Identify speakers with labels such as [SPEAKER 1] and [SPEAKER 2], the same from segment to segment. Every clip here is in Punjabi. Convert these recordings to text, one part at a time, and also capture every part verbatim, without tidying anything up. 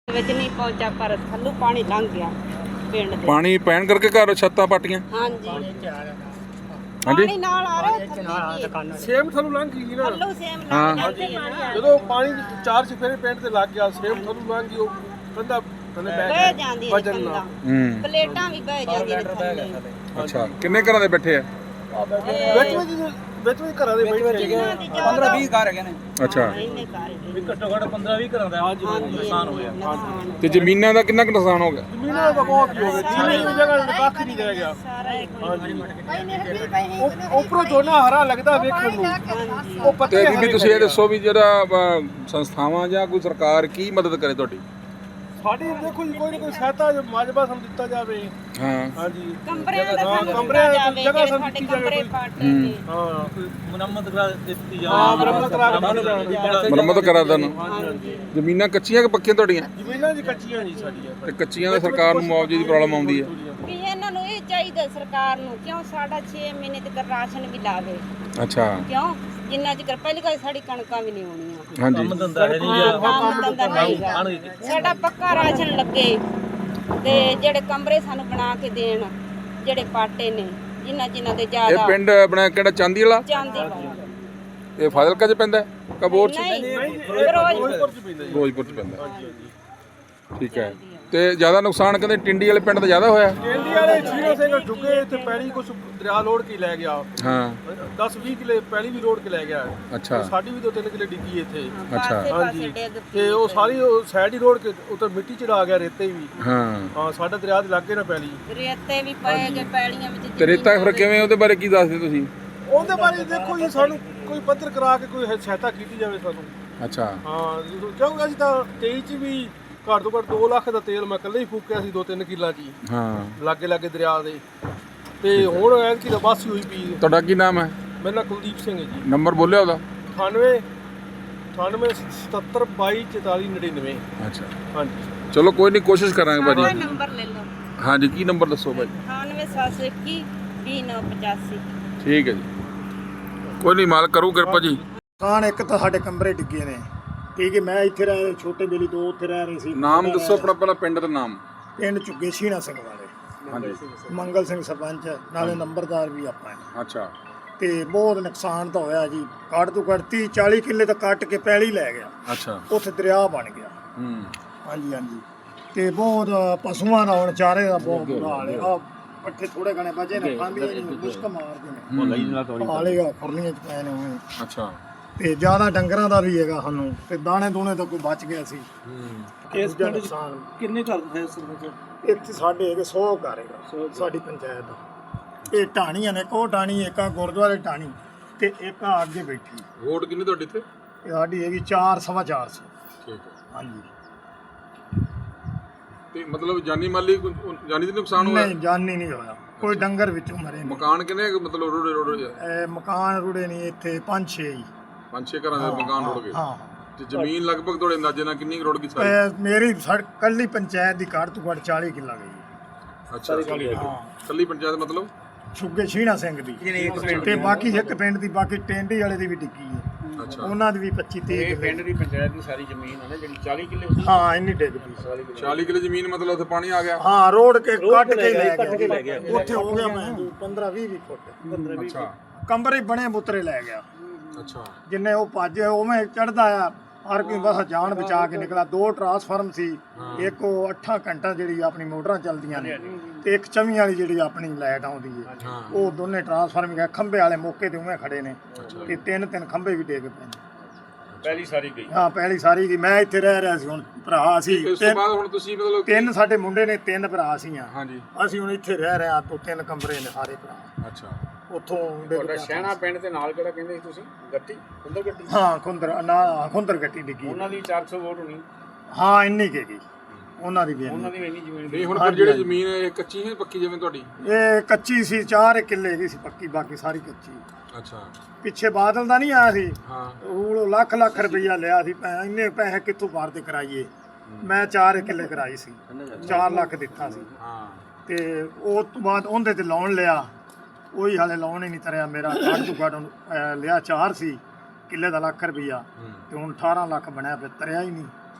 [SPEAKER 1] ਵਿੱਚ ਨਹੀਂ ਪਹੁੰਚਾ ਪਰ ਥੱਲੋਂ ਪਾਣੀ ਲੰਘ ਗਿਆ ਪਿੰਡ ਦੇ।
[SPEAKER 2] ਪਾਣੀ ਪੈਣ ਕਰਕੇ ਘਰ ਛੱਤਾਂ ਪਾਟੀਆਂ।
[SPEAKER 1] ਹਾਂਜੀ
[SPEAKER 2] ਹਾਂਜੀ
[SPEAKER 1] ਪਾਣੀ ਨਾਲ ਆ ਰਿਹਾ
[SPEAKER 3] ਸੇਮ ਥੱਲੋਂ ਲੰਘ ਗਈ ਨਾ
[SPEAKER 1] ਥੱਲੋਂ ਸੇਮ
[SPEAKER 2] ਹਾਂ।
[SPEAKER 1] ਲੰਘ ਜਾਂਦੀ ਹੈ।
[SPEAKER 3] ਜਦੋਂ ਪਾਣੀ ਚਾਰ ਚਫੇਰੇ ਪਿੰਡ ਤੇ ਲੱਗ ਗਿਆ ਸੇਮ ਥੱਲੋਂ ਲੰਘ ਗਈ ਉਹ ਕੰਧਾ ਥੱਲੇ
[SPEAKER 1] ਬਹਿ
[SPEAKER 3] ਬਹਿ
[SPEAKER 1] ਜਾਂਦੀ ਹੈ
[SPEAKER 3] ਵਜਨ
[SPEAKER 1] ਕੰਧਾਂ।
[SPEAKER 3] ਨਾਲ
[SPEAKER 2] ਹੂੰ
[SPEAKER 1] ਪਲੇਟਾਂ ਵੀ ਬਹਿ ਜਾਂਦੀਆਂ ਨੇ ਥੱਲੇ।
[SPEAKER 2] ਅੱਛਾ ਕਿੰਨੇ ਘਰਾਂ ਦੇ ਬੈਠੇ ਆ?
[SPEAKER 3] ਵਿੱਚ ਵਿੱਚ ਵਿੱਚ ਵਿੱਚ ਘਰਾਂ ਦੇ ਬੈਠੇ
[SPEAKER 1] ਪੰਦਰਾਂ
[SPEAKER 4] ਵੀਹ ਘਰ ਹੈਗੇ ਨੇ।
[SPEAKER 2] ਅੱਛਾ
[SPEAKER 1] ਇੰਨੇ ਘਰ ਹੀ
[SPEAKER 4] ਵੀ ਘੱਟੋ ਘੱਟ ਪੰਦਰਾਂ ਵੀਹ ਘਰਾਂ ਦਾ ਨੁਕਸਾਨ ਹੋਇਆ।
[SPEAKER 1] ਨੁਕਸਾਨ
[SPEAKER 2] ਤੇ ਜ਼ਮੀਨਾਂ ਦਾ ਕਿੰਨਾ ਕੁ ਨੁਕਸਾਨ ਹੋ ਗਿਆ?
[SPEAKER 3] ਜ਼ਮੀਨਾਂ ਦਾ ਬਹੁਤ ਹੋ ਗਿਆ ਜ਼ਮੀਨ ਦੀ ਜਗ੍ਹਾ ਕੱਖ ਨਹੀਂ ਰਹਿ ਗਿਆ
[SPEAKER 1] ਸਾਰਾ ਇੱਕ
[SPEAKER 3] ਉਹ- ਉੱਪਰੋਂ ਝੋਨਾ ਹਰਾ ਲੱਗਦਾ ਵੇਖਣ ਨੂੰ ਉਹ
[SPEAKER 2] ਤੇ
[SPEAKER 3] ਪੱਤੇ
[SPEAKER 2] ਬੀਬੀ ਤੁਸੀਂ ਇਹ ਦੱਸੋ ਵੀ ਜਿਹੜਾ ਅ, ਸੰਸਥਾਵਾਂ ਜਾਂ ਕੋਈ ਸਰਕਾਰ ਕੀ ਮਦਦ ਕਰੇ ਤੁਹਾਡੀ?
[SPEAKER 3] ਸਾਡੀ ਦੇਖੋ ਜੀ ਕੋਈ ਨਾ ਕੋਈ ਸਹਾਇਤਾ ਜੋ ਮਾਜਬਾ ਸਾਨੂੰ ਦਿੱਤਾ ਜਾਵੇ।
[SPEAKER 2] ਹਾਂ
[SPEAKER 3] ਹਾਂਜੀ
[SPEAKER 1] ਕਮਰਿਆਂ ਦਾ
[SPEAKER 3] ਹਾਂ,
[SPEAKER 1] ਸਾਨੂੰ
[SPEAKER 3] ਕਮਰਿਆਂ
[SPEAKER 1] ਦਿੱਤਾ
[SPEAKER 3] ਦੀ
[SPEAKER 1] ਜਾਵੇ,
[SPEAKER 3] ਜਗ੍ਹਾ
[SPEAKER 1] ਜਿਹੜੇ
[SPEAKER 3] ਸਾਨੂੰ
[SPEAKER 1] ਸਾਡੇ
[SPEAKER 3] ਦਿੱਤੀ ਜਾਵੇ
[SPEAKER 1] ਕਮਰੇ
[SPEAKER 3] ਕੋਈ।
[SPEAKER 1] ਪਾਟੇ ਨੇ।
[SPEAKER 3] ਹਾਂ
[SPEAKER 4] ਮੁਰੰਮਤ ਕਰਾ ਦਿੱਤੀ ਜਾਵੇ।
[SPEAKER 3] ਹਾਂ ਮੁਰੰਮਤ ਕਰਾ ਕੇ ਦਿੱਤੀ ਜਾਵੇ।
[SPEAKER 2] ਮੁਰੰਮਤ ਕਰਾ ਦੇਣ।
[SPEAKER 1] ਹਾਂਜੀ
[SPEAKER 2] ਜ਼ਮੀਨਾਂ ਕੱਚੀਆਂ ਕਿ ਪੱਕੀਆਂ ਤੁਹਾਡੀਆਂ?
[SPEAKER 3] ਜ਼ਮੀਨਾਂ ਜੀ ਕੱਚੀਆਂ ਜੀ ਸਾਡੀਆਂ
[SPEAKER 2] ਤੇ ਕੱਚੀਆਂ ਦਾ ਸਰਕਾਰ ਨੂੰ ਮੁਆਵਜ਼ੇ ਦੀ ਪ੍ਰੋਬਲਮ ਆਉਂਦੀ ਹੈ।
[SPEAKER 1] ਵੀ ਇਹਨਾਂ ਨੂੰ ਇਹ ਚਾਹੀਦਾ ਸਰਕਾਰ ਨੂੰ ਕਿਉਂ ਸਾਡਾ ਛੇ ਮਹੀਨੇ ਤੱਕ ਰਾਸ਼ਨ ਵੀ ਲਾਵੇ
[SPEAKER 2] ਅੱਛਾ
[SPEAKER 1] ਕਿਉਂ ਜਿੰਨਾ ਚਿਰ ਪਹਿਲੀ ਗੱਲ ਸਾਡੀ ਕਣਕਾਂ ਵੀ ਨਹੀਂ ਹੋਣੀਆਂ
[SPEAKER 2] ਹਾਂਜੀ
[SPEAKER 4] ਕੰਮ ਧੰਦਾ ਹੈ ਨਹੀਂ ਜਾਂ
[SPEAKER 1] ਕੰਮ ਧੰਦਾ ਨਹੀਂ ਹੈਗਾ। ਸਾਡਾ ਪੱਕਾ ਰਾਸ਼ਨ ਲੱਗੇ ਤੇ ਜਿਹੜੇ ਕਮਰੇ ਸਾਨੂੰ ਬਣਾ ਕੇ ਦੇਣ ਜਿਹੜੇ ਪਾਟੇ ਨੇ ਜਿਨ੍ਹਾਂ ਜਿਨ੍ਹਾਂ ਦੇ
[SPEAKER 2] ਇਹ
[SPEAKER 1] ਜ਼ਿਆਦਾ
[SPEAKER 2] ਪਿੰਡ ਆਪਣਾ ਕਿਹੜਾ ਚਾਂਦੀ ਵਾਲਾ?
[SPEAKER 1] ਚਾਂਦੀ ਵਾਲਾ
[SPEAKER 2] ਇਹ ਫਾਜ਼ਿਲਕਾ ਚ ਪੈਂਦਾ ਕਬੋਰ ਚ?
[SPEAKER 1] ਨਹੀਂ
[SPEAKER 3] ਫਿਰੋਜ਼ਪੁਰ
[SPEAKER 1] ਫਿਰੋਜ਼
[SPEAKER 3] ਚ ਪੈਂਦਾ ਜੀ।
[SPEAKER 2] ਫਿਰੋਜ਼ਪੁਰ ਚ ਪੈਂਦਾ। ਠੀਕ ਹੈ। ਤੇ ਜ਼ਿਆਦਾ ਨੁਕਸਾਨ ਕਹਿੰਦੇ ਟਿੰਡੀ ਵਾਲੇ ਪਿੰਡ ਦਾ ਜ਼ਿਆਦਾ ਹੋਇਆ?
[SPEAKER 3] ਕੇਂਦੀ ਵਾਲੇ ਛੀਰੋ ਸਿੰਘ ਢੁੱਗੇ ਇੱਥੇ ਪੈਲੀ ਕੁਛ ਦਰਿਆ ਲੋੜ ਕੇ ਲੈ ਗਿਆ।
[SPEAKER 2] ਹਾਂ
[SPEAKER 3] ਦਸ ਵੀਹ ਕਿਲੇ ਪੈਲੀ ਵੀ ਲੋੜ ਕੇ ਲੈ ਗਿਆ।
[SPEAKER 2] ਅੱਛਾ
[SPEAKER 3] ਸਾਡੀ ਵੀ ਦੋ ਤਿੰਨ ਕਿਲੇ ਡਿੱਗੀ ਇੱਥੇ
[SPEAKER 2] ਅੱਛਾ।
[SPEAKER 1] ਪਾਸੇ ਪਾਸੇ
[SPEAKER 3] ਹਾਂਜੀ
[SPEAKER 1] ਡਿੱਗ
[SPEAKER 3] ਤੇ ਉਹ ਸਾਰੀ ਉਹ ਸਾਈਡ ਹੀ ਰੋੜ ਕੇ ਉੱਤੇ ਮਿੱਟੀ ਚੜਾ ਗਿਆ ਰੇਤੇ ਵੀ।
[SPEAKER 2] ਹਾਂ
[SPEAKER 3] ਹਾਂ ਸਾਡਾ ਦਰਿਆ ਦੇ ਲਾਗੇ ਨਾ ਪੈਲੀ।
[SPEAKER 1] ਰੇਤੇ ਵੀ ਪਏ ਗਏ ਪੈਲੀਆਂ ਵਿੱਚ
[SPEAKER 2] ਤੇ ਰੇਤਾ ਫਿਰ ਕਿਵੇਂ ਉਹਦੇ ਬਾਰੇ ਕੀ ਦੱਸਦੇ ਤੁਸੀਂ?
[SPEAKER 3] ਉਹਦੇ ਬਾਰੇ ਦੇਖੋ ਜੀ ਸਾਨੂੰ ਕੋਈ ਪੱਤਰ ਕਰਾ ਕੇ ਕੋਈ ਸਹਾਇਤਾ ਕੀਤੀ ਜਾਵੇ ਸਾਨੂੰ।
[SPEAKER 2] ਅੱਛਾ
[SPEAKER 3] ਹਾਂ ਜਦੋਂ- ਕਿਉਂਕਿ ਅਸੀਂ ਤਾਂ ਤੇਈ ਚ ਵੀ ਘੱਟ ਤੋਂ ਘੱਟ ਦੋ ਲੱਖ ਦਾ ਤੇਲ ਮੈਂ ਇਕੱਲੇ ਹੀ ਫੂਕਿਆ ਸੀ ਦੋ ਤਿੰਨ ਕਿੱਲਾ ਜੀ
[SPEAKER 2] ਹਾਂ
[SPEAKER 3] ਲਾਗੇ ਲਾਗੇ ਦਰਿਆ ਦੇ। ਤੇ ਹੁਣ ਐਤਕੀ ਤਾਂ ਬਸ ਹੀ ਹੋਈ ਪਈ।
[SPEAKER 2] ਤੁਹਾਡਾ ਕੀ ਨਾਮ ਹੈ?
[SPEAKER 3] ਮੇਰਾ ਨਾਂ ਕੁਲਦੀਪ ਸਿੰਘ ਹੈ ਜੀ।
[SPEAKER 2] ਨੰਬਰ ਬੋਲਿਆ ਉਹਦਾ?
[SPEAKER 3] ਅਠਾਨਵੇਂ ਅਠਾਨਵੇਂ ਸਤੱਤਰ ਬਾਈ ਚੁਤਾਲੀ ਨੜਿਨਵੇਂ।
[SPEAKER 2] ਅੱਛਾ
[SPEAKER 3] ਹਾਂਜੀ
[SPEAKER 2] ਚਲੋ ਕੋਈ ਨਹੀਂ ਕੋਸ਼ਿਸ਼ ਕਰਾਂਗੇ
[SPEAKER 1] ਸਾਡਾ
[SPEAKER 2] ਭਾਜੀ।
[SPEAKER 1] ਨੰਬਰ ਲੈ ਲਓ
[SPEAKER 2] ਹਾਂਜੀ ਕੀ ਨੰਬਰ ਦੱਸੋ ਭਾਜੀ?
[SPEAKER 1] ਅਠਾਨਵੇਂ ਸੱਤ ਸੌ ਇੱਕੀ ਵੀਹ ਨੌ ਪਚਾਸੀ।
[SPEAKER 2] ਠੀਕ ਹੈ ਜੀ ਕੋਈ ਨਹੀਂ ਮਾਲਕ ਕਰੂ ਕਿਰਪਾ ਜੀ।
[SPEAKER 5] ਕਾਨ ਇੱਕ ਤਾਂ ਸਾਡੇ ਕਮਰੇ ਡਿੱਗੇ ਨੇ ਠੀਕ ਹੈ। ਮੈਂ ਇੱਥੇ ਰਹਿ ਛੋਟੇ ਬੇਲੀ ਦੋ ਉੱਥੇ ਰਹਿ ਰਹੇ ਸੀ।
[SPEAKER 2] ਨਾਮ ਦੱਸੋ ਆਪਣਾ ਪਹਿਲਾਂ ਪਿੰਡ ਦਾ ਨਾਮ।
[SPEAKER 5] ਪਿੰਡ ਝੁੱਗੇ ਸ਼ੀਨਾ ਸਿੰਘ ਵਾਲੇ
[SPEAKER 2] ਹਾਂਜੀ
[SPEAKER 5] ਮੰਗਲ ਸਿੰਘ ਸਰਪੰਚ ਨਾਲੇ ਨੰਬਰਦਾਰ ਵੀ ਆਪਾਂ ਨੇ।
[SPEAKER 2] ਅੱਛਾ
[SPEAKER 5] ਤੇ ਬਹੁਤ ਨੁਕਸਾਨ ਤਾਂ ਹੋਇਆ ਜੀ। ਘੱਟ ਤੋਂ ਘੱਟ ਤੀਹ ਚਾਲੀ ਕਿੱਲੇ ਤਾਂ ਕੱਟ ਕੇ ਪੈਲੀ ਲੈ ਗਿਆ।
[SPEAKER 2] ਅੱਛਾ
[SPEAKER 5] ਉੱਥੇ ਦਰਿਆ ਬਣ ਗਿਆ।
[SPEAKER 2] ਹੂੰ
[SPEAKER 5] ਹਾਂਜੀ ਹਾਂਜੀ ਤੇ ਬਹੁਤ ਪਸ਼ੂਆਂ ਦਾ ਹੁਣ ਚਾਰੇ ਦਾ ਬਹੁਤ ਬੁਰਾ ਹਾਲ ਹੈ। ਆ ਪੱਠੇ ਥੋੜੇ ਘਣੇ ਬਚੇ ਨੇ ਖਾਂਦੇ ਨਹੀਂ ਮੁਸ਼ਕ ਮਾਰਦੇ ਨੇ ਹਾਲੇਗਾ ਖੁਰਲੀਆਂ ਚ ਪਏ ਨੇ ਉਹ।
[SPEAKER 2] ਅੱਛਾ
[SPEAKER 5] ਤੇ ਜ਼ਿਆਦਾ ਡੰਗਰਾਂ ਦਾ ਵੀ ਹੈਗਾ ਸਾਨੂੰ ਤੇ ਦਾਣੇ ਦੂਣੇ ਤਾਂ ਕੋਈ ਬਚ ਗਿਆ ਸੀ।
[SPEAKER 4] ਇਸ ਪਿੰਡ ਚ ਕਿੰਨੇ ਘਰ ਹੈ ਸਰਪੰਚ?
[SPEAKER 5] ਇੱਥੇ ਸਾਡੇ ਹੈਗੇ ਸੌ ਘਰ ਹੈਗਾ ਸਾਡੀ ਪੰਚਾਇਤ ਦਾ। ਇਹ ਢਾਣੀਆਂ ਨੇ ਕੋ ਢਾਣੀ ਇੱਕ ਆ ਗੁਰਦੁਆਰੇ ਢਾਣੀ ਤੇ ਇੱਕ ਆ ਅੱਗੇ ਬੈਠੀ।
[SPEAKER 2] ਵੋਟ ਕਿੰਨੀ ਤੁਹਾਡੀ ਇੱਥੇ?
[SPEAKER 5] ਇਹ ਸਾਡੀ ਹੈਗੀ ਚਾਰ ਸਵਾ ਚਾਰ ਸੌ।
[SPEAKER 2] ਠੀਕ ਹੈ।
[SPEAKER 5] ਹਾਂਜੀ
[SPEAKER 2] ਤੇ ਮਤਲਬ ਜਾਨੀ ਮਾਲੀ ਕੋਈ- ਜਾਨੀ ਦਾ ਨੁਕਸਾਨ ਹੋਇਆ?
[SPEAKER 5] ਨਹੀਂ ਜਾਨੀ ਨਹੀਂ ਹੋਇਆ ਕੋਈ ਡੰਗਰ ਵਿੱਚੋਂ ਮਰੇ ਨੇ।
[SPEAKER 2] ਮਕਾਨ ਕਿੰਨੇ ਕੁ ਮਤਲਬ ਰੋੜੇ ਰੋੜੇ
[SPEAKER 5] ਇਹ ਮਕਾਨ ਰੁੜੇ ਨਹੀਂ ਇੱਥੇ ਪੰਜ ਛੇ ਹੀ।
[SPEAKER 2] ਪੰਜ ਛੇ ਘਰਾਂ ਦੇ ਮਕਾਨ ਰੁੜ ਗਏ।
[SPEAKER 5] ਹਾਂ
[SPEAKER 2] ਤੇ ਜ਼ਮੀਨ ਲਗਭਗ ਤੁਹਾਡੇ ਅੰਦਾਜ਼ੇ ਨਾਲ ਕਿੰਨੀ ਕੁ ਰੁੜ ਗਈ ਸਾਰੀ?
[SPEAKER 5] ਇਹ ਮੇਰੀ ਸੜ ਕੱਲੀ ਪੰਚਾਇਤ ਦੀ ਘੱਟ ਤੋਂ ਘੱਟ ਚਾਲੀ ਕਿੱਲਾ ਗਈ।
[SPEAKER 2] ਅੱਛਾ
[SPEAKER 5] ਹਾਂ
[SPEAKER 2] ਕੱਲੀ ਪੰਚਾਇਤ ਮਤਲਬ?
[SPEAKER 5] ਛੁੱਗੇ ਸ਼ੀਨਾ ਸਿੰਘ ਦੀ ਤੇ ਬਾਕੀ ਇੱਕ ਪਿੰਡ ਦੀ ਬਾਕੀ ਟੈਂਡੀ ਵਾਲੇ ਦੀ ਵੀ ਡਿੱਗੀ ਹੈ।
[SPEAKER 2] ਅੱਛਾ
[SPEAKER 5] ਉਹਨਾਂ ਦੀ ਵੀ ਪੱਚੀ ਤੀਹ ਕਿੱਲੇ।
[SPEAKER 4] ਪਿੰਡ ਦੀ ਪੰਚਾਇਤ ਦੀ ਸਾਰੀ ਜ਼ਮੀਨ ਹੈ ਨਾ ਜਿਹੜੀ ਚਾਲੀ ਕਿੱਲੇ
[SPEAKER 5] ਹਾਂ ਇੰਨੀ ਡਿੱਗ ਪਈ।
[SPEAKER 2] ਚਾਲੀ ਕਿੱਲੇ ਜ਼ਮੀਨ ਮਤਲਬ ਉੱਥੇ ਪਾਣੀ ਆ ਗਿਆ?
[SPEAKER 5] ਹਾਂ ਰੋਡ ਕੇ ਕੱਟ ਕੇ ਲੈ ਗਿਆ। ਉੱਥੇ ਹੋ ਗਿਆ ਮੈਂ ਪੰਦਰਾਂ ਵੀਹ ਫੁੱਟ।
[SPEAKER 2] ਅੱਛਾ
[SPEAKER 5] ਕਮਰੇ ਬਣੇ ਬੁੱਤਰੇ ਲੈ ਗਿਆ।
[SPEAKER 2] ਅੱਛਾ
[SPEAKER 5] ਜਿੰਨੇ ਉਹ ਭੱਜ ਉਵੇਂ ਚੜਦਾ ਆ ਹਰ ਕੋਈ ਬਸ ਜਾਨ ਬਚਾ ਕੇ ਨਿਕਲਾ। ਦੋ ਟਰਾਂਸਫਾਰਮ ਸੀ ਇੱਕ ਉਹ ਅੱਠਾਂ ਘੰਟਾ ਜਿਹੜੀ ਆਪਣੀ ਮੋਟਰਾਂ ਚੱਲਦੀਆਂ ਨੇ ਤੇ ਇੱਕ ਚਵੀਂ ਵਾਲੀ ਜਿਹੜੀ ਆਪਣੀ ਲਾਈਟ ਆਉਂਦੀ ਹੈ। ਉਹ ਦੋਨੇ ਟਰਾਂਸਫਾਰਮ ਗਏ ਖੰਭੇ ਵਾਲੇ ਮੌਕੇ ਤੇ ਉਵੇਂ ਖੜੇ ਨੇ ਤੇ ਤਿੰਨ ਤਿੰਨ ਖੰਭੇ ਵੀ ਡਿੱਗ ਪਏ ਨੇ।
[SPEAKER 4] ਪਹਿਲੀ ਸਾਰੀ ਗਈ।
[SPEAKER 5] ਹਾਂ ਪਹਿਲੀ ਸਾਰੀ ਗਈ। ਮੈਂ ਇੱਥੇ ਰਹਿ ਰਿਹਾ ਸੀ ਹੁਣ ਭਰਾ ਸੀ
[SPEAKER 2] ਇਸ ਤੋਂ ਬਾਅਦ ਹੁਣ ਤੁਸੀਂ ਮਤਲਬ
[SPEAKER 5] ਤਿੰਨ ਸਾਡੇ ਮੁੰਡੇ ਨੇ ਤਿੰਨ ਭਰਾ ਸੀਆਂ।
[SPEAKER 2] ਹਾਂਜੀ
[SPEAKER 5] ਅਸੀਂ ਹੁਣ ਇੱਥੇ ਰਹਿ ਰਹੇ ਹਾਂ ਤੋਂ ਤਿੰਨ ਕਮਰੇ ਨੇ ਸਾਰੇ ਭਰਾ।
[SPEAKER 2] ਅੱਛਾ
[SPEAKER 5] ਉੱਥੋਂ ਡਿੱਗ ਪਿਆ।
[SPEAKER 4] ਸ਼ਹਿਣਾ ਪਿੰਡ ਦੇ ਨਾਲ ਕਿਹੜਾ ਕਹਿੰਦੇ ਸੀ ਤੁਸੀਂ? ਗੱਟੀ ਖੁੰਦਰ ਗੱਟੀ
[SPEAKER 5] ਹਾਂ ਖੁੰਦਰ ਨਾ ਖੁੰਦਰ ਗੱਟੀ ਡਿੱਗੀ।
[SPEAKER 4] ਉਹਨਾਂ ਦੀ ਚਾਰ ਸੌ ਵੋਟ ਹੋਣੀ।
[SPEAKER 5] ਹਾਂ ਇੰਨੀ ਕੁ ਗਈ ਉਹਨਾਂ ਦੀ ਵੀ ਇੰਨੀ।
[SPEAKER 4] ਉਹਨਾਂ ਦੀ ਵੀ ਇੰਨੀ ਜ਼ਮੀਨ
[SPEAKER 2] ਨਹੀਂ ਹੁਣ ਫਿਰ ਜਿਹੜੀ ਜ਼ਮੀਨ ਹੈ ਇਹ ਕੱਚੀ ਹੈ ਪੱਕੀ ਜਿਵੇਂ ਤੁਹਾਡੀ?
[SPEAKER 5] ਇਹ ਕੱਚੀ ਸੀ ਚਾਰ ਕਿੱਲੇ ਦੀ ਸੀ ਪੱਕੀ ਬਾਕੀ ਸਾਰੀ ਕੱਚੀ।
[SPEAKER 2] ਅੱਛਾ
[SPEAKER 5] ਪਿੱਛੇ ਬਾਦਲ ਦਾ ਨਹੀਂ ਆਇਆ ਸੀ
[SPEAKER 2] ਹਾਂ
[SPEAKER 5] ਉਹ ਲੱਖ ਲੱਖ ਰੁਪਈਆ ਲਿਆ ਸੀ ਪੈ- ਇੰਨੇ ਪੈਸੇ ਕਿੱਥੋਂ ਭਰ ਤੇ ਕਰਾਈਏ। ਮੈਂ ਚਾਰ ਕਿੱਲੇ ਕਰਾਈ ਸੀ ਚਾਰ ਲੱਖ ਦਿੱਤਾ ਸੀ
[SPEAKER 2] ਹਾਂ
[SPEAKER 5] ਤੇ ਉਸ ਤੋਂ ਬਾਅਦ ਉਹਦੇ ਤੇ ਲੋਨ ਲਿਆ। ਉਹੀ ਹਾਲੇ ਲੋਨ ਹੀ ਨਹੀਂ ਤਰਿਆ ਮੇਰਾ। ਘੱਟ ਤੋਂ ਘੱਟ ਅਹ ਲਿਆ ਚਾਰ ਸੀ ਕਿੱਲੇ ਦਾ ਲੱਖ ਰੁਪਈਆ ਤੇ ਹੁਣ ਅਠਾਰਾਂ ਲੱਖ ਬਣਿਆ ਫਿਰ ਤਰਿਆ ਹੀ ਨਹੀਂ।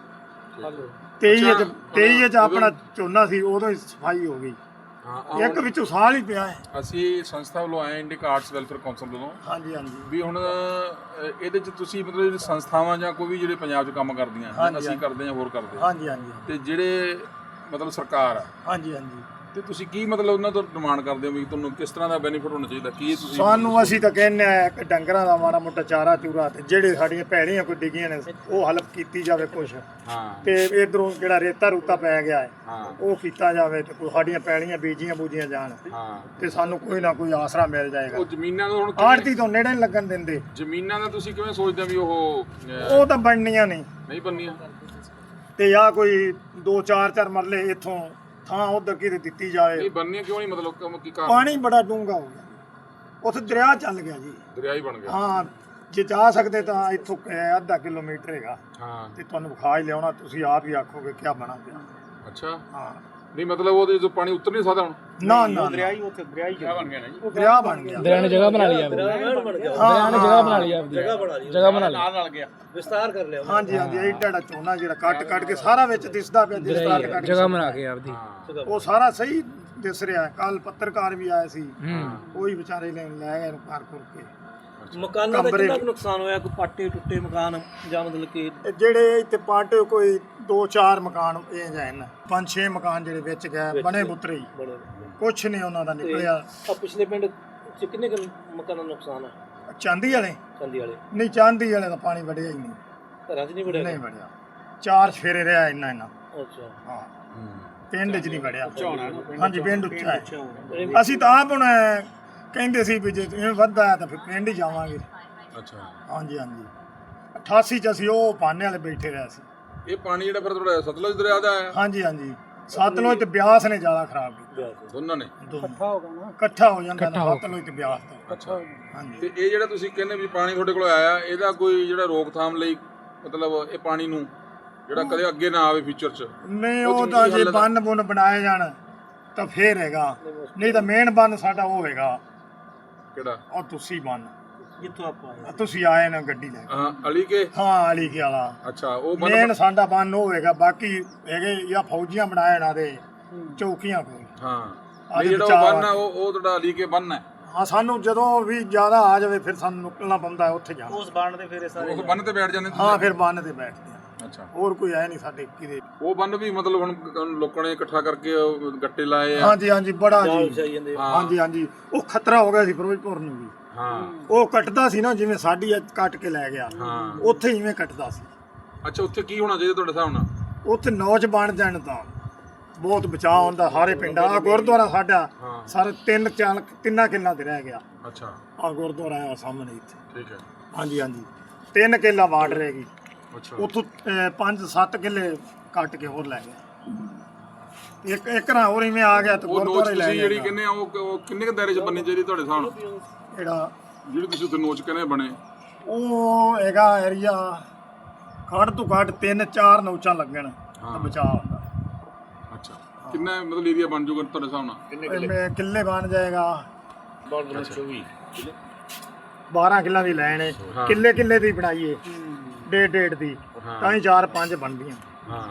[SPEAKER 5] ਤੇਈ ਚ ਤੇਈ ਚ ਆਪਣਾ ਝੋਨਾ ਸੀ ਉਦੋਂ ਹੀ ਸਫਾਈ ਹੋ ਗਈ।
[SPEAKER 2] ਹਾਂ
[SPEAKER 5] ਇੱਕ ਵਿੱਚੋਂ ਸਾਲ ਹੀ ਪਿਆ ਹੈ।
[SPEAKER 2] ਅਸੀਂ ਸੰਸਥਾ ਵੱਲੋਂ ਆਏ ਇੰਡੀਕ ਆਰਟਸ ਵੈਲਫੇਅਰ ਕੌਂਸਲ ਵੱਲੋਂ
[SPEAKER 5] ਹਾਂਜੀ ਹਾਂਜੀ
[SPEAKER 2] ਵੀ ਹੁਣ ਅ, ਇਹਦੇ ਚ ਤੁਸੀਂ ਮਤਲਬ ਜਿਹੜੀ ਸੰਸਥਾਵਾਂ ਜਾਂ ਕੋਈ ਵੀ ਜਿਹੜੇ ਪੰਜਾਬ 'ਚ ਕੰਮ ਕਰਦੀਆਂ ਜਾਂ ਅਸੀਂ ਕਰਦੇ ਜਾਂ ਹੋਰ ਕਰਦੇ
[SPEAKER 5] ਹਾਂਜੀ ਹਾਂਜੀ
[SPEAKER 2] ਤੇ ਜਿਹੜੇ ਮਤਲਬ ਸਰਕਾਰ ਆ
[SPEAKER 5] ਹਾਂਜੀ ਹਾਂਜੀ
[SPEAKER 2] ਤੇ ਤੁਸੀਂ ਕੀ ਮਤਲਬ ਉਹਨਾਂ ਤੋਂ ਡਿਮਾਂਡ ਕਰਦੇ ਹੋ ਵੀ ਤੁਹਾਨੂੰ ਕਿਸ ਤਰ੍ਹਾਂ ਦਾ ਬੈਨੀਫਿਟ ਹੋਣਾ ਚਾਹੀਦਾ ਕੀ ਤੁਸੀਂ
[SPEAKER 5] ਸਾਨੂੰ ਅਸੀਂ ਤਾਂ ਕਹਿੰਦੇ ਆ ਕਿ ਡੰਗਰਾਂ ਦਾ ਮਾੜਾ ਮੋਟਾ ਚਾਰਾ ਚੂਰਾ ਤੇ ਜਿਹੜੇ ਸਾਡੀਆਂ ਭੈੜੀਆਂ ਕੋਈ ਡਿੱਗੀਆਂ ਨੇ ਉਹ ਹੈਲਪ ਕੀਤੀ ਜਾਵੇ ਕੁਛ
[SPEAKER 2] ਹਾਂ
[SPEAKER 5] ਤੇ ਇਧਰੋਂ ਜਿਹੜਾ ਰੇਤਾ ਰੂਤਾ ਪੈ ਗਿਆ ਹੈ
[SPEAKER 2] ਹਾਂ
[SPEAKER 5] ਉਹ ਕੀਤਾ ਜਾਵੇ ਤੇ ਕੋਈ ਸਾਡੀਆਂ ਪੈਲੀਆਂ ਬੀਜੀਆਂ ਬੂਜੀਆਂ ਜਾਣ
[SPEAKER 2] ਹਾਂ
[SPEAKER 5] ਤੇ ਸਾਨੂੰ ਕੋਈ ਨਾ ਕੋਈ ਆਸਰਾ ਮਿਲ ਜਾਏਗਾ।
[SPEAKER 2] ਉਹ ਜ਼ਮੀਨਾਂ ਨੂੰ ਹੁਣ ਕਿਵੇਂ-
[SPEAKER 5] ਆੜਤੀ ਤੋਂ ਨੇੜੇ ਨਹੀਂ ਲੱਗਣ ਦਿੰਦੇ।
[SPEAKER 2] ਜ਼ਮੀਨਾਂ ਦਾ ਤੁਸੀਂ ਕਿਵੇਂ ਸੋਚਦੇ ਹੋ ਵੀ ਉਹ ਅ,
[SPEAKER 5] ਉਹ ਤਾਂ ਬਣਨੀਆਂ ਨਹੀਂ
[SPEAKER 2] ਨਹੀਂ ਬਣਨੀਆਂ
[SPEAKER 5] ਤੇ ਆ ਕੋਈ ਦੋ ਚਾਰ ਚਾਰ ਮਰਲੇ ਇੱਥੋਂ ਥਾਂ ਉਧਰ ਕਿਤੇ ਦਿੱਤੀ ਜਾਵੇ।
[SPEAKER 2] ਨਹੀਂ ਬਣਨੀਆਂ ਕਿਉਂ ਨਹੀਂ ਮਤਲਬ ਕਿਉਂ- ਕੀ ਕਾਰਨ
[SPEAKER 5] ਪਾਣੀ ਬੜਾ ਡੂੰਘਾ ਹੋ ਗਿਆ, ਉੱਥੇ ਦਰਿਆ ਚੱਲ ਗਿਆ ਜੀ।
[SPEAKER 2] ਦਰਿਆ ਹੀ ਬਣ ਗਿਆ
[SPEAKER 5] ਹਾਂ ਜੇ ਜਾ ਸਕਦੇ ਤਾਂ ਇੱਥੋਂ ਅਹ, ਅੱਧਾ ਕਿਲੋਮੀਟਰ ਹੈਗਾ
[SPEAKER 2] ਹਾਂ
[SPEAKER 5] ਤੇ ਤੁਹਾਨੂੰ ਵਿਖਾ ਹੀ ਲਿਆਉਣਾ, ਤੁਸੀਂ ਆਪ ਹੀ ਆਖੋਗੇ ਕਿਆ ਬਣਾ ਪਿਆ।
[SPEAKER 2] ਅੱਛਾ
[SPEAKER 5] ਹਾਂ
[SPEAKER 2] ਨਹੀਂ ਮਤਲਬ ਉਹਦੇ ਜੋ ਪਾਣੀ ਉੱਤਰ ਨਹੀਂ ਸਕਦਾ ਹੁਣ
[SPEAKER 5] ਨਾ ਨਾ ਦਰਿਆ
[SPEAKER 4] ਹੀ ਉੱਥੇ ਦਰਿਆ ਹੀ
[SPEAKER 2] ਬਣ ਗਿਆ ਨਾ ਜੀ
[SPEAKER 5] ਦਰਿਆ ਬਣ ਗਿਆ।
[SPEAKER 6] ਦਰਿਆ ਨੇ ਜਗ੍ਹਾ ਬਣਾ ਲਈ ਆਪਦੀ
[SPEAKER 5] ਹਾਂ
[SPEAKER 6] ਦਰਿਆ ਨੇ ਜਗ੍ਹਾ ਬਣਾ ਲਈ ਆਪਦੀ
[SPEAKER 4] ਜਗ੍ਹਾ ਬਣਾ ਲਈ
[SPEAKER 6] ਜਗ੍ਹਾ ਬਣਾ ਲਈ
[SPEAKER 4] ਨਾਲ ਨਾਲ ਗਿਆ ਵਿਸਤਾਰ ਕਰ ਲਿਆ
[SPEAKER 5] ਹਾਂਜੀ ਹਾਂਜੀ ਇਹ ਢੜਾ ਝੋਨਾ ਜਿਹੜਾ ਕੱਟ ਕੱਟ ਕੇ ਸਾਰਾ ਵਿੱਚ ਦਿਸਦਾ ਪਿਆ ਜਿਸ ਤਰ੍ਹਾਂ ਕੱਟ
[SPEAKER 6] ਜਗ੍ਹਾ ਬਣਾ ਕੇ ਆਪਦੀ
[SPEAKER 5] ਉਹ ਸਾਰਾ ਸਹੀ ਦਿਸ ਰਿਹਾ। ਕੱਲ ਪੱਤਰਕਾਰ ਵੀ ਆਏ ਸੀ, ਕੋਈ ਵਿਚਾਰੇ ਨੇ ਲੈ ਗਏ ਇਹਨੂੰ ਘਰ ਘੁਰ ਕੇ।
[SPEAKER 4] ਮਕਾਨਾਂ ਦਾ ਕਿੰਨਾ ਕੁ ਨੁਕਸਾਨ ਹੋਇਆ? ਕੋਈ ਪਾਟੇ ਟੁੱਟੇ ਮਕਾਨ ਜਾਂ ਮਤਲਬ ਕਿ
[SPEAKER 5] ਇਹ ਜਿਹੜੇ ਇੱਥੇ ਪਾਟੇ ਕੋਈ ਦੋ ਚਾਰ ਮਕਾਨ ਇਹ ਜਾਏ ਨਾ, ਪੰਜ ਛੇ ਮਕਾਨ ਜਿਹੜੇ ਵਿੱਚ ਗਏ ਬਣੇ ਬੁੱਤਰੇ ਹੀ,
[SPEAKER 4] ਬੜੇ
[SPEAKER 5] ਕੁਛ ਨਹੀਂ ਉਹਨਾਂ ਦਾ ਨਿਕਲਿਆ।
[SPEAKER 4] ਆ ਪਿਛਲੇ ਪਿੰਡ ਚ ਕਿੰਨੇ ਕੁ ਮਕਾਨਾਂ ਦਾ ਨੁਕਸਾਨ ਹੈ?
[SPEAKER 5] ਚਾਂਦੀ ਵਾਲੇ
[SPEAKER 4] ਚੰਦੀ ਵਾਲੇ
[SPEAKER 5] ਨਹੀਂ, ਚਾਂਦੀ ਵਾਲੇ ਦਾ ਪਾਣੀ ਵੜਿਆ ਹੀ ਨਹੀਂ,
[SPEAKER 4] ਘਰਾਂ 'ਚ ਨਹੀਂ ਵੜਿਆ?
[SPEAKER 5] ਨਹੀਂ ਵੜਿਆ। ਚਾਰ ਫੇਰੇ ਰਿਹਾ ਇੰਨਾ ਇੰਨਾ।
[SPEAKER 4] ਅੱਛਾ
[SPEAKER 5] ਹਾਂ ਪਿੰਡ 'ਚ ਨਹੀਂ ਵੜਿਆ। ਹਾਂਜੀ ਪਿੰਡ ਉੱਚਾ ਹੈ। ਅਸੀਂ ਤਾਂ ਆਪ ਹੁਣ ਕਹਿੰਦੇ ਸੀ ਵੀ ਜੇ ਇਹ ਵੱਧਦਾ ਹੈ ਤਾਂ ਫਿਰ ਪਿੰਡ ਹੀ ਜਾਵਾਂਗੇ।
[SPEAKER 2] ਅੱਛਾ
[SPEAKER 5] ਹਾਂਜੀ ਹਾਂਜੀ ਅਠਾਸੀ 'ਚ ਅਸੀਂ ਉਹ ਪਾਨੇ ਵਾਲੇ ਬੈਠੇ ਰਹੇ ਸੀ।
[SPEAKER 2] ਇਹ ਪਾਣੀ ਜਿਹੜਾ ਫਿਰ ਤੁਹਾਡਾ ਸਤਲੁਜ ਦਰਿਆ ਦਾ ਆਇਆ
[SPEAKER 5] ਹਾਂਜੀ ਹਾਂਜੀ ਸਤਲੁਜ ਤੇ ਬਿਆਸ ਨੇ ਜ਼ਿਆਦਾ ਖਰਾਬ ਕੀਤਾ
[SPEAKER 2] ਦੋਨਾਂ ਨੇ
[SPEAKER 5] ਇਕੱਠਾ ਹੋ ਗਿਆ ਨਾ, ਇਕੱਠਾ ਹੋ ਜਾਂਦਾ ਨਾ ਸਤਲੁਜ ਤੇ ਬਿਆਸ ਤੋਂ।
[SPEAKER 2] ਅੱਛਾ
[SPEAKER 5] ਹਾਂਜੀ
[SPEAKER 2] ਤੇ ਇਹ ਜਿਹੜਾ ਤੁਸੀਂ ਕਹਿੰਦੇ ਵੀ ਪਾਣੀ ਤੁਹਾਡੇ ਕੋਲ ਆਇਆ ਇਹਦਾ ਕੋਈ ਜਿਹੜਾ ਰੋਕਥਾਮ ਲਈ ਮਤਲਬ ਇਹ ਪਾਣੀ ਨੂੰ ਜਿਹੜਾ ਕਦੇ ਅੱਗੇ ਨਾ ਆਵੇ ਫਿਊਚਰ 'ਚ
[SPEAKER 5] ਨਹੀਂ ਉਹ ਤਾਂ ਜੇ ਬੰਨ ਬੁੰਨ ਬਣਾਏ ਜਾਣ ਤਾਂ ਫੇਰ ਹੈਗਾ, ਨਹੀਂ ਤਾਂ ਮੇਨ ਬੰਨ ਸਾਡਾ ਉਹ ਹੈਗਾ
[SPEAKER 2] ਕਿਹੜਾ
[SPEAKER 5] ਉਹ ਤੁਸੀਂ ਬੰਨ
[SPEAKER 4] ਜਿੱਥੋਂ ਆਪਾਂ ਆਏ।
[SPEAKER 5] ਤੁਸੀਂ ਆਏ ਨਾ ਗੱਡੀ ਲੈ ਕੇ।
[SPEAKER 2] ਹਾਂ ਅਲੀ ਕੇ
[SPEAKER 5] ਹਾਂ ਅਲੀ ਕੇ ਵਾਲਾ
[SPEAKER 2] ਅੱਛਾ ਉਹ ਬੰਨ
[SPEAKER 5] ਮੇਨ ਸਾਡਾ ਬੰਨ ਉਹ ਹੈਗਾ, ਬਾਕੀ ਹੈਗੇ ਜਾਂ ਫੌਜੀਆਂ ਬਣਾਏ ਨਾ ਦੇ ਚੌਕੀਆਂ ਕੋਲ।
[SPEAKER 2] ਹਾਂ ਇਹ ਜਿਹੜਾ ਉਹ ਬੰਨ ਆ ਉਹ ਉਹ ਤੁਹਾਡਾ ਅਲੀ ਕੇ ਬੰਨ ਹੈ।
[SPEAKER 5] ਹਾਂ ਸਾਨੂੰ ਜਦੋਂ ਵੀ ਜ਼ਿਆਦਾ ਆ ਜਾਵੇ ਫਿਰ ਸਾਨੂੰ ਨਿਕਲਣਾ ਪੈਂਦਾ ਹੈ, ਉੱਥੇ ਜਾਣਾ।
[SPEAKER 4] ਉਸ ਬਾਣ ਦੇ ਫੇਰੇ ਸਾਰੇ
[SPEAKER 2] ਉਹ ਬੰਨ ਤੇ ਬੈਠ ਜਾਂਦੇ
[SPEAKER 5] ਹਾਂ ਫਿਰ ਬੰਨ ਤੇ ਬੈਠਦੇ ਆ,
[SPEAKER 2] ਅੱਛਾ
[SPEAKER 5] ਹੋਰ ਕੋਈ ਹੈ ਨਹੀਂ ਸਾਡੇ ਕਿਤੇ।
[SPEAKER 2] ਉਹ ਬੰਨ ਵੀ ਮਤਲਬ ਹੁਣ ਲੋਕਾਂ ਨੇ ਇਕੱਠਾ ਕਰਕੇ ਉਹ ਗੱਟੇ ਲਾਏ ਆ
[SPEAKER 5] ਹਾਂਜੀ ਹਾਂਜੀ ਬੜਾ ਜੀ।
[SPEAKER 4] ਜਾਈ ਜਾਂਦੇ
[SPEAKER 5] ਹਾਂਜੀ ਹਾਂਜੀ ਉਹ ਖਤਰਾ ਹੋ ਗਿਆ ਸੀ ਫਿਰੋਜ਼ਪੁਰ ਨੂੰ ਵੀ।
[SPEAKER 2] ਹਾਂ
[SPEAKER 5] ਉਹ ਕੱਟਦਾ ਸੀ ਨਾ ਜਿਵੇਂ ਸਾਡੀ ਅੱਜ ਕੱਟ ਕੇ ਲੈ ਗਿਆ,
[SPEAKER 2] ਹਾਂ
[SPEAKER 5] ਉੱਥੇ ਇਵੇਂ ਕੱਟਦਾ ਸੀ।
[SPEAKER 2] ਅੱਛਾ ਉੱਥੇ ਕੀ ਹੋਣਾ ਚਾਹੀਦਾ ਤੁਹਾਡੇ ਹਿਸਾਬ ਨਾਲ?
[SPEAKER 5] ਉੱਥੇ ਨੌਜ ਬਣ ਜਾਣ ਤਾਂ ਬਹੁਤ ਬਚਾਅ ਹੁੰਦਾ ਸਾਰੇ ਪਿੰਡਾਂ। ਆ ਗੁਰਦੁਆਰਾ ਸਾਡਾ
[SPEAKER 2] ਹਾਂ
[SPEAKER 5] ਸਾਰੇ ਤਿੰਨ ਚਾਲ ਤਿੰਨਾਂ ਕਿੱਲਾ ਤੇ ਰਹਿ ਗਿਆ।
[SPEAKER 2] ਅੱਛਾ
[SPEAKER 5] ਆ ਗੁਰਦੁਆਰਾ ਆ ਸਾਹਮਣੇ ਇੱਥੇ।
[SPEAKER 2] ਠੀਕ ਹੈ
[SPEAKER 5] ਹਾਂਜੀ ਹਾਂਜੀ ਤਿੰਨ ਕਿੱਲਾ ਵਾਟ ਰਹਿ ਗਈ।
[SPEAKER 2] ਅੱਛਾ
[SPEAKER 5] ਉੱਥੋਂ ਅਹ, ਪੰਜ ਸੱਤ ਕਿੱਲੇ ਕੱਟ ਕੇ ਹੋਰ ਲੈ ਗਿਆ। ਇੱਕ ਇੱਕ ਨਾ ਹੋਰ ਇਵੇਂ ਆ ਗਿਆ ਤੇ
[SPEAKER 2] ਉਹ ਨੋਚ
[SPEAKER 5] ਗੁਰਦੁਆਰੇ ਲੈ
[SPEAKER 2] ਤੁਸੀਂ
[SPEAKER 5] ਗਿਆ।
[SPEAKER 2] ਜਿਹੜੀ ਕਹਿੰਦੇ ਆ ਉਹ ਉਹ ਕਿੰਨੇ ਕੁ ਦਾਇਰੇ 'ਚ ਬਣਨੀ ਚਾਹੀਦੀ ਤੁਹਾਡੇ ਹਿਸਾਬ ਨਾਲ?
[SPEAKER 5] ਜਿਹੜਾ
[SPEAKER 2] ਜਿਹੜੀ ਤੁਸੀਂ ਉੱਥੇ ਨੋਚ ਕਹਿੰਦੇ ਬਣੇ
[SPEAKER 5] ਉਹ ਹੈਗਾ ਏਰੀਆ ਘੱਟ ਤੋਂ ਘੱਟ ਤਿੰਨ ਚਾਰ ਨੌਚਾਂ ਲੱਗਣ ਤਾਂ ਬਚਾਅ ਹੁੰਦਾ।
[SPEAKER 2] ਅੱਛਾ ਕਿੰਨਾ ਮਤਲਬ ਏਰੀਆ ਬਣ ਜਾਊਗਾ ਤੁਹਾਡੇ ਹਿਸਾਬ ਨਾਲ?
[SPEAKER 5] ਇਹ ਕਿੱਲੇ ਬਣ ਜਾਏਗਾ
[SPEAKER 2] ਚੌਵੀ
[SPEAKER 5] ਬਾਰਾਂ ਕਿੱਲਾਂ ਦੀ ਲੈਣ ਹੈ, ਕਿੱਲੇ ਕਿੱਲੇ ਦੀ ਬਣਾਈਏ ਡੇਢ ਡੇਢ ਦੀ ਤਾਂ ਹੀ ਚਾਰ ਪੰਜ ਬਣਦੀਆਂ।
[SPEAKER 2] ਹਾਂ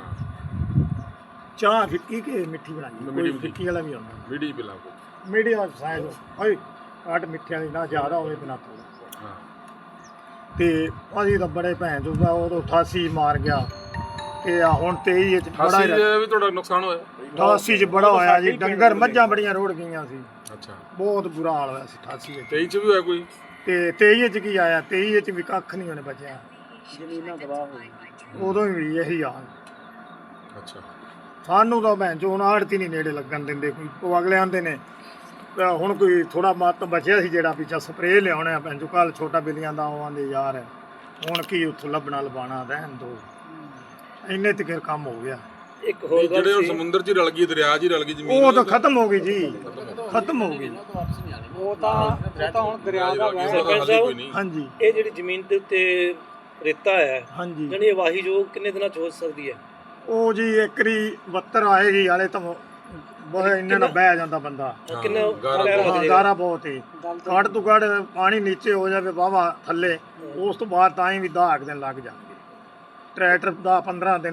[SPEAKER 5] ਚਾਹ ਫਿੱਕੀ ਕਿ ਮਿੱਠੀ ਬਣਾਈਏ, ਕੋਈ ਫਿੱਕੀ ਵਾਲਾ ਵੀ ਹੁੰਦਾ।
[SPEAKER 2] ਵੀਡੀ ਪਿਲਾ ਕੋ
[SPEAKER 5] ਮੀਡੀਅਮ ਸਾਈਜ਼ ਹੋਏ ਘੱਟ ਮਿੱਠਿਆਂ ਦੀ ਨਾ ਜ਼ਿਆਦਾ ਹੋਵੇ ਬਿਨਾ ਥੋੜਾ।
[SPEAKER 2] ਹਾਂ
[SPEAKER 5] ਤੇ ਅਸੀਂ ਤਾਂ ਬੜੇ ਭੈਣ ਚੋਦਾ ਉਹ ਅਠਾਸੀ ਮਾਰ ਗਿਆ ਤੇ ਆ ਹੁਣ ਤੇਈ ਵਿੱਚ ਬੜਾ
[SPEAKER 2] ਅਠਾਸੀ
[SPEAKER 5] ਹੀ
[SPEAKER 2] ਦੇ ਵੀ ਤੁਹਾਡਾ ਨੁਕਸਾਨ ਹੋਇਆ?
[SPEAKER 5] ਅਠਾਸੀ ਚ ਬੜਾ ਹੋਇਆ ਜੀ, ਡੰਗਰ ਮੱਝਾਂ ਬੜੀਆਂ ਰੋੜ ਗਈਆਂ ਸੀ,
[SPEAKER 2] ਅੱਛਾ
[SPEAKER 5] ਬਹੁਤ ਬੁਰਾ ਹਾਲ ਹੋਇਆ ਸੀ ਅਠਾਸੀ ਵਿੱਚ।
[SPEAKER 2] ਤੇਈ 'ਚ ਵੀ ਹੋਇਆ ਕੋਈ?
[SPEAKER 5] ਤੇ ਤੇਈ ਵਿੱਚ ਕੀ ਆਇਆ, ਤੇਈ ਵਿੱਚ ਵੀ ਕੱਖ ਨਹੀਂ ਉਹਨੇ ਬਚਿਆ,
[SPEAKER 4] ਜ਼ਮੀਨਾਂ ਤਬਾਹ ਹੋ ਗਈਆਂ।
[SPEAKER 5] ਉਦੋਂ ਵੀ ਇਹੀ ਹਾਲ।
[SPEAKER 2] ਅੱਛਾ
[SPEAKER 5] ਸਾਨੂੰ ਤਾਂ ਭੈਣ ਚੋ ਹੁਣ ਆੜਤੀ ਨਹੀਂ ਨੇੜੇ ਲੱਗਣ ਦਿੰਦੇ ਕੋਈ, ਉਹ ਅਗਲੇ ਆਂਦੇ ਨੇ ਅਹ ਹੁਣ ਕੋਈ ਥੋੜਾ ਮੱਤ ਬਚਿਆ ਸੀ ਜਿਹੜਾ ਪਿੱਛਾ ਸਪਰੇਅ ਲਿਆਉਣਾ ਭੈਣ ਚੋ, ਕੱਲ ਛੋਟਾ ਬਿੱਲੀਆਂ ਦਾ ਉਹ ਆਂਦੇ ਯਾਰ ਹੁਣ ਕੀ ਉੱਥੋਂ ਲੱਭਣਾ ਲਵਾਣਾ ਰਹਿਣ ਦੋ, ਇੰਨੇ ਤੱਕ ਕੰਮ ਹੋ ਗਿਆ।
[SPEAKER 4] ਇੱਕ ਹੋਰ ਗੱਲ
[SPEAKER 2] ਜਿਹੜੇ ਉਹ
[SPEAKER 4] ਸੀ,
[SPEAKER 2] ਸਮੁੰਦਰ 'ਚ ਹੀ ਰਲ ਗਈ, ਦਰਿਆ 'ਚ ਹੀ ਰਲ ਗਈ ਜ਼ਮੀਨ,
[SPEAKER 5] ਉਹ ਤਾਂ ਖਤਮ ਹੋ ਗਈ ਜੀ, ਖਤਮ ਹੋ ਗਈ।
[SPEAKER 4] ਉਹ ਤਾਂ ਉਹ ਤਾਂ ਹੁਣ ਦਰਿਆ ਦਾ
[SPEAKER 2] ਸਰਪੰਚ ਸਾਹਿਬ ਕੋਈ ਨਹੀਂ।
[SPEAKER 5] ਹਾਂਜੀ
[SPEAKER 4] ਇਹ ਜਿਹੜੀ ਜ਼ਮੀਨ ਦੇ ਉੱਤੇ ਰੇਤਾ ਹੈ
[SPEAKER 5] ਹਾਂਜੀ
[SPEAKER 4] ਜਾਨੀ ਵਾਹੀ ਜੋ ਕਿੰਨੇ ਦਿਨਾਂ ਚ ਹੋ ਸਕਦੀ ਹੈ?
[SPEAKER 5] ਉਹ ਜੀ ਇੱਕਰੀ ਬੱਤਰ ਆਏਗੀ ਹਾਲੇ ਤਾਂ ਬਹੁਤ ਇੰਨੇ ਨਾਲ ਬਹਿ ਜਾਂਦਾ ਬੰਦਾ।
[SPEAKER 4] ਕਿੰਨਾ
[SPEAKER 2] ਗਾਰਾ
[SPEAKER 4] ਪੈਰ ਲੱਗ
[SPEAKER 5] ਹਾਂ,
[SPEAKER 4] ਜਾਏਗਾ?
[SPEAKER 5] ਗਾਰਾ ਬਹੁਤ ਹੈ, ਘੱਟ ਤੋਂ ਘੱਟ ਪਾਣੀ ਨੀਚੇ ਹੋ ਜਾਵੇ ਵਾਹਵਾ ਥੱਲੇ, ਉਸ ਤੋਂ ਬਾਅਦ ਤਾਂ ਹੀ ਵੀ ਦਸ ਦਿਨ ਲੱਗ ਜਾਣਗੇ। ਟਰੈਕਟਰ ਦਾ ਪੰਦਰਾਂ ਦਿਨ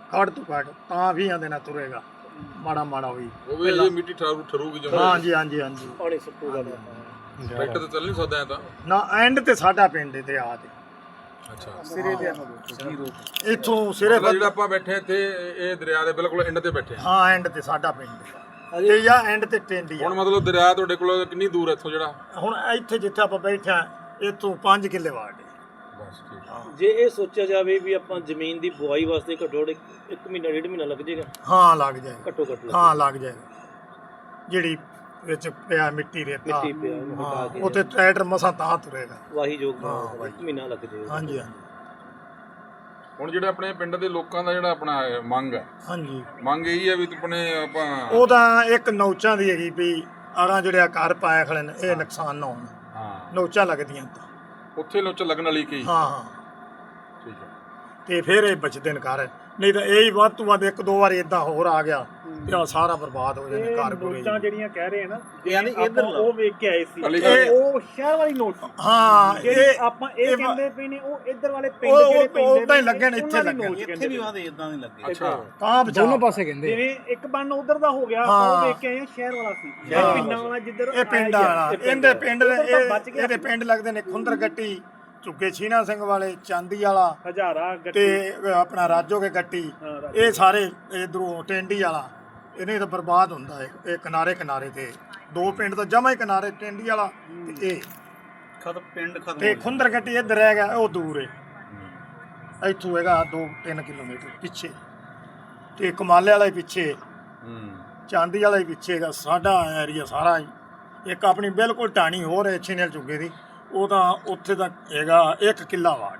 [SPEAKER 5] ਘੱਟ ਤੋਂ ਘੱਟ ਤਾਂ ਵੀਹਾਂ ਦਿਨਾਂ ਤੁਰੇਗਾ ਮਾੜਾ ਮਾੜਾ ਹੋਈ।
[SPEAKER 2] ਉਹ ਵੀ ਇਹ ਮਿੱਟੀ ਠਰੂ ਠਰੂਗੀ ਜਮਾ।
[SPEAKER 5] ਹਾਂਜੀ ਹਾਂਜੀ ਹਾਂਜੀ
[SPEAKER 4] ਪਾਣੀ ਸੁੱਕੂਗਾ
[SPEAKER 2] ਟਰੈਕਟਰ ਤੇ ਚੱਲ ਨਹੀਂ ਸਕਦਾ ਐ ਤਾਂ।
[SPEAKER 5] ਨਾ ਐਂਡ ਤੇ ਸਾਡਾ ਪਿੰਡ ਦਰਿਆ ਤੇ
[SPEAKER 2] ਅੱਛਾ
[SPEAKER 5] ਸਿਰੇ ਤੇ ਇੱਥੋਂ ਸਿਰੇ
[SPEAKER 2] ਮਤਲਬ ਜਿਹੜਾ ਆਪਾਂ ਬੈਠੇ ਇੱਥੇ ਇਹ ਦਰਿਆ ਦੇ ਬਿਲਕੁਲ ਐਂਡ ਤੇ ਬੈਠੇ ਹਾਂ।
[SPEAKER 5] ਹਾਂ ਐਂਡ ਤੇ ਸਾਡਾ ਪਿੰਡ ਤੇ ਜਾਂ ਐਂਡ ਤੇ ਟੈਂਡੀ ਆ।
[SPEAKER 2] ਹੁਣ ਮਤਲਬ ਦਰਿਆ ਤੁਹਾਡੇ ਕੋਲ ਕਿੰਨੀ ਦੂਰ ਹੈ ਇੱਥੋਂ ਜਿਹੜਾ?
[SPEAKER 5] ਹੁਣ ਇੱਥੇ ਜਿੱਥੇ ਆਪਾਂ ਬੈਠੇ ਆ ਇੱਥੋਂ ਪੰਜ ਕਿੱਲੇ ਵਾਟ ਹੈ।
[SPEAKER 2] ਬਸ ਠੀਕ।
[SPEAKER 4] ਜੇ ਇਹ ਸੋਚਿਆ ਜਾਵੇ ਵੀ ਆਪਾਂ ਜ਼ਮੀਨ ਦੀ ਬੁਆਈ ਵਾਸਤੇ ਘੱਟੋ ਘੱਟ ਇੱਕ ਮਹੀਨਾ ਡੇਢ ਮਹੀਨਾ ਲੱਗ ਜਾਏਗਾ।
[SPEAKER 5] ਹਾਂ ਲੱਗ ਜਾਏਗਾ
[SPEAKER 4] ਘੱਟੋ ਘੱਟ
[SPEAKER 5] ਹਾਂ ਲੱਗ ਜਾਏਗਾ। ਜਿਹੜੀ ਵਿੱਚ ਪਿਆ ਮਿੱਟੀ ਰੇਤਾ
[SPEAKER 4] ਮਿੱਟੀ ਪਿਆ ਉਹਨੂੰ ਹਟਾ
[SPEAKER 5] ਹਾਂ
[SPEAKER 4] ਕੇ
[SPEAKER 5] ਉੱਥੇ ਟਰੈਕਟਰ ਮਸਾਂ ਤਾਂ ਤੁਰੇਗਾ।
[SPEAKER 4] ਵਾਹੀ ਯੋਗ ਇੱਕ ਮਹੀਨਾ ਲੱਗ ਜਾਏਗਾ।
[SPEAKER 5] ਹਾਂਜੀ ਹਾਂਜੀ
[SPEAKER 2] ਹੁਣ ਜਿਹੜੇ ਆਪਣੇ ਪਿੰਡ ਦੇ ਲੋਕਾਂ ਦਾ ਜਿਹੜਾ ਆਪਣਾ ਇਹ ਮੰਗ ਹੈ,
[SPEAKER 5] ਹਾਂਜੀ
[SPEAKER 2] ਮੰਗ ਇਹੀ ਹੈ ਵੀ ਆਪਣੇ ਆਪਾਂ
[SPEAKER 5] ਉਹ ਤਾਂ ਇੱਕ ਨੌਚਾਂ ਦੀ ਹੈਗੀ ਵੀ ਆਰਾਂ ਜਿਹੜੇ ਘਰ ਪਾਇਆ ਖੜੇ ਨੇ ਇਹ ਨੁਕਸਾਨ ਨਾ ਹੋਣ।
[SPEAKER 2] ਹਾਂ
[SPEAKER 5] ਨੌਚਾਂ ਲੱਗਦੀਆਂ ਤਾਂ
[SPEAKER 2] ਉੱਥੇ ਲੋਚ ਲੱਗਣ ਵਾਲੀ ਕੀ?
[SPEAKER 5] ਹਾਂ ਹਾਂ
[SPEAKER 2] ਠੀਕ ਹੈ।
[SPEAKER 5] ਤੇ ਫਿਰ ਇਹ ਬਚਦੇ ਨੇ ਘਰ, ਨਹੀਂ ਤਾਂ ਇਹ ਹੀ ਵੱਧ ਤੋਂ ਵੱਧ ਇੱਕ ਦੋ ਵਾਰੀ ਇਦਾਂ ਹੋਰ ਆ ਗਿਆ ਤੇ ਆਹ ਸਾਰਾ ਬਰਬਾਦ ਹੋ ਜਾਣਾ ਘਰ ਪੂਰੇ।
[SPEAKER 7] ਨੋਟਾਂ ਜਿਹੜੀਆਂ ਕਹਿ ਰਹੇ ਆ ਨਾ
[SPEAKER 4] ਯਾਨੀ
[SPEAKER 7] ਆਪਾਂ
[SPEAKER 4] ਇੱਧਰ
[SPEAKER 7] ਉਹ ਵੇਖ ਕੇ ਆਏ ਸੀ
[SPEAKER 2] ਅਲੀ
[SPEAKER 7] ਇਹ ਉਹ ਸ਼ਹਿਰ ਵਾਲੀ ਨੋਟ ਸੀ।
[SPEAKER 5] ਹਾਂ
[SPEAKER 7] ਜਿਹੜੇ
[SPEAKER 5] ਇਹ
[SPEAKER 7] ਆਪਾਂ ਇਹ
[SPEAKER 5] ਇਹ
[SPEAKER 7] ਕਹਿੰਦੇ ਪਏ ਨੇ ਉਹ ਇੱਧਰ ਵਾਲੇ ਪਿੰਡ
[SPEAKER 5] ਉਹ-
[SPEAKER 7] ਜਿਹੜੇ
[SPEAKER 5] ਉਹ
[SPEAKER 7] ਪੈਂਦੇ
[SPEAKER 5] ਉਦਾਂ ਹੀ ਲੱਗੇ ਨੇ, ਇੱਥੇ
[SPEAKER 7] ਉਹਨਾਂ ਦੀ
[SPEAKER 5] ਲੱਗੇ
[SPEAKER 7] ਨੋਟ
[SPEAKER 5] ਨੇ।
[SPEAKER 7] ਕਹਿੰਦੇ ਪਏ।
[SPEAKER 4] ਵਾਦੇ ਇਦਾਂ ਦੇ ਲੱਗੇ।
[SPEAKER 2] ਅੱਛਾ
[SPEAKER 5] ਤਾਂ ਬਚਾਓ।
[SPEAKER 6] ਦੋਨੋਂ ਪਾਸੇ ਕਹਿੰਦੇ
[SPEAKER 7] ਜਿਵੇਂ ਇੱਕ ਬੰਨ ਉਧਰ ਦਾ ਹੋ ਗਿਆ
[SPEAKER 5] ਹਾਂ।
[SPEAKER 7] ਉਹ ਵੇਖ ਕੇ ਆਏ ਆ ਸ਼ਹਿਰ ਵਾਲਾ ਸੀ ਇਹ ਪਿੰਡਾਂ ਵਾਲਾ ਜਿੱਧਰ
[SPEAKER 5] ਇਹ ਪਿੰਡ
[SPEAKER 7] ਆਇਆ
[SPEAKER 5] ਵਾਲਾ
[SPEAKER 7] ਗਿਆ।
[SPEAKER 5] ਇਹਦੇ ਪਿੰਡ ਦੇ
[SPEAKER 7] ਉੱਧਰ ਤਾਂ ਬਚ
[SPEAKER 5] ਇਹ-
[SPEAKER 7] ਗਿਆ।
[SPEAKER 5] ਇਹਦੇ ਪਿੰਡ ਲੱਗਦੇ ਨੇ ਖੁੰਦਰ ਗੱਟੀ, ਝੁੱਗੇ ਛੀਨਾ ਸਿੰਘ ਵਾਲੇ, ਚਾਂਦੀ ਵਾਲਾ
[SPEAKER 7] ਹਜ਼ਾਰਾ ਗੱਟੀ
[SPEAKER 5] ਤੇ ਆਪਣਾ ਰਾਜੋ ਕੇ ਗੱਟੀ,
[SPEAKER 7] ਹਾਂ, ਰਾਜੋ।
[SPEAKER 5] ਇਹ ਸਾਰੇ ਇਧਰੋਂ ਟੈਂਡੀ ਵਾਲਾ ਇਹਨੇ ਤਾਂ ਬਰਬਾਦ ਹੁੰਦਾ ਹੈ। ਇਹ ਕਿਨਾਰੇ ਕਿਨਾਰੇ ਤੇ ਦੋ ਪਿੰਡ ਤਾਂ ਜਮਾ ਹੀ ਕਿਨਾਰੇ, ਟੈਂਡੀ ਵਾਲਾ ਤੇ ਇਹ
[SPEAKER 4] ਖਤ ਪਿੰਡ ਖਤਮ
[SPEAKER 5] ਤੇ ਖੁੰਦਰ ਗੱਟੀ ਇੱਧਰ ਰਹਿ ਗਿਆ, ਉਹ ਦੂਰ ਹੈ ਇੱਥੋਂ ਹੈਗਾ ਦੋ ਤਿੰਨ ਕਿਲੋਮੀਟਰ ਪਿੱਛੇ, ਤੇ ਕਮਾਲੇ ਵਾਲਾ ਹੀ ਪਿੱਛੇ,
[SPEAKER 2] ਹੂੰ
[SPEAKER 5] ਚਾਂਦੀ ਵਾਲਾ ਹੀ ਪਿੱਛੇ ਹੈਗਾ। ਸਾਡਾ ਏਰੀਆ ਸਾਰਾ ਹੀ ਇੱਕ ਆਪਣੀ ਬਿਲਕੁਲ ਢਾਣੀ ਹੋਰ ਹੈ ਛੇਨੇਲ ਚੁੱਗੇ ਦੀ, ਉਹ ਤਾਂ ਉੱਥੇ ਤੱਕ ਹੈਗਾ ਇੱਕ ਕਿੱਲਾ ਵਾਟ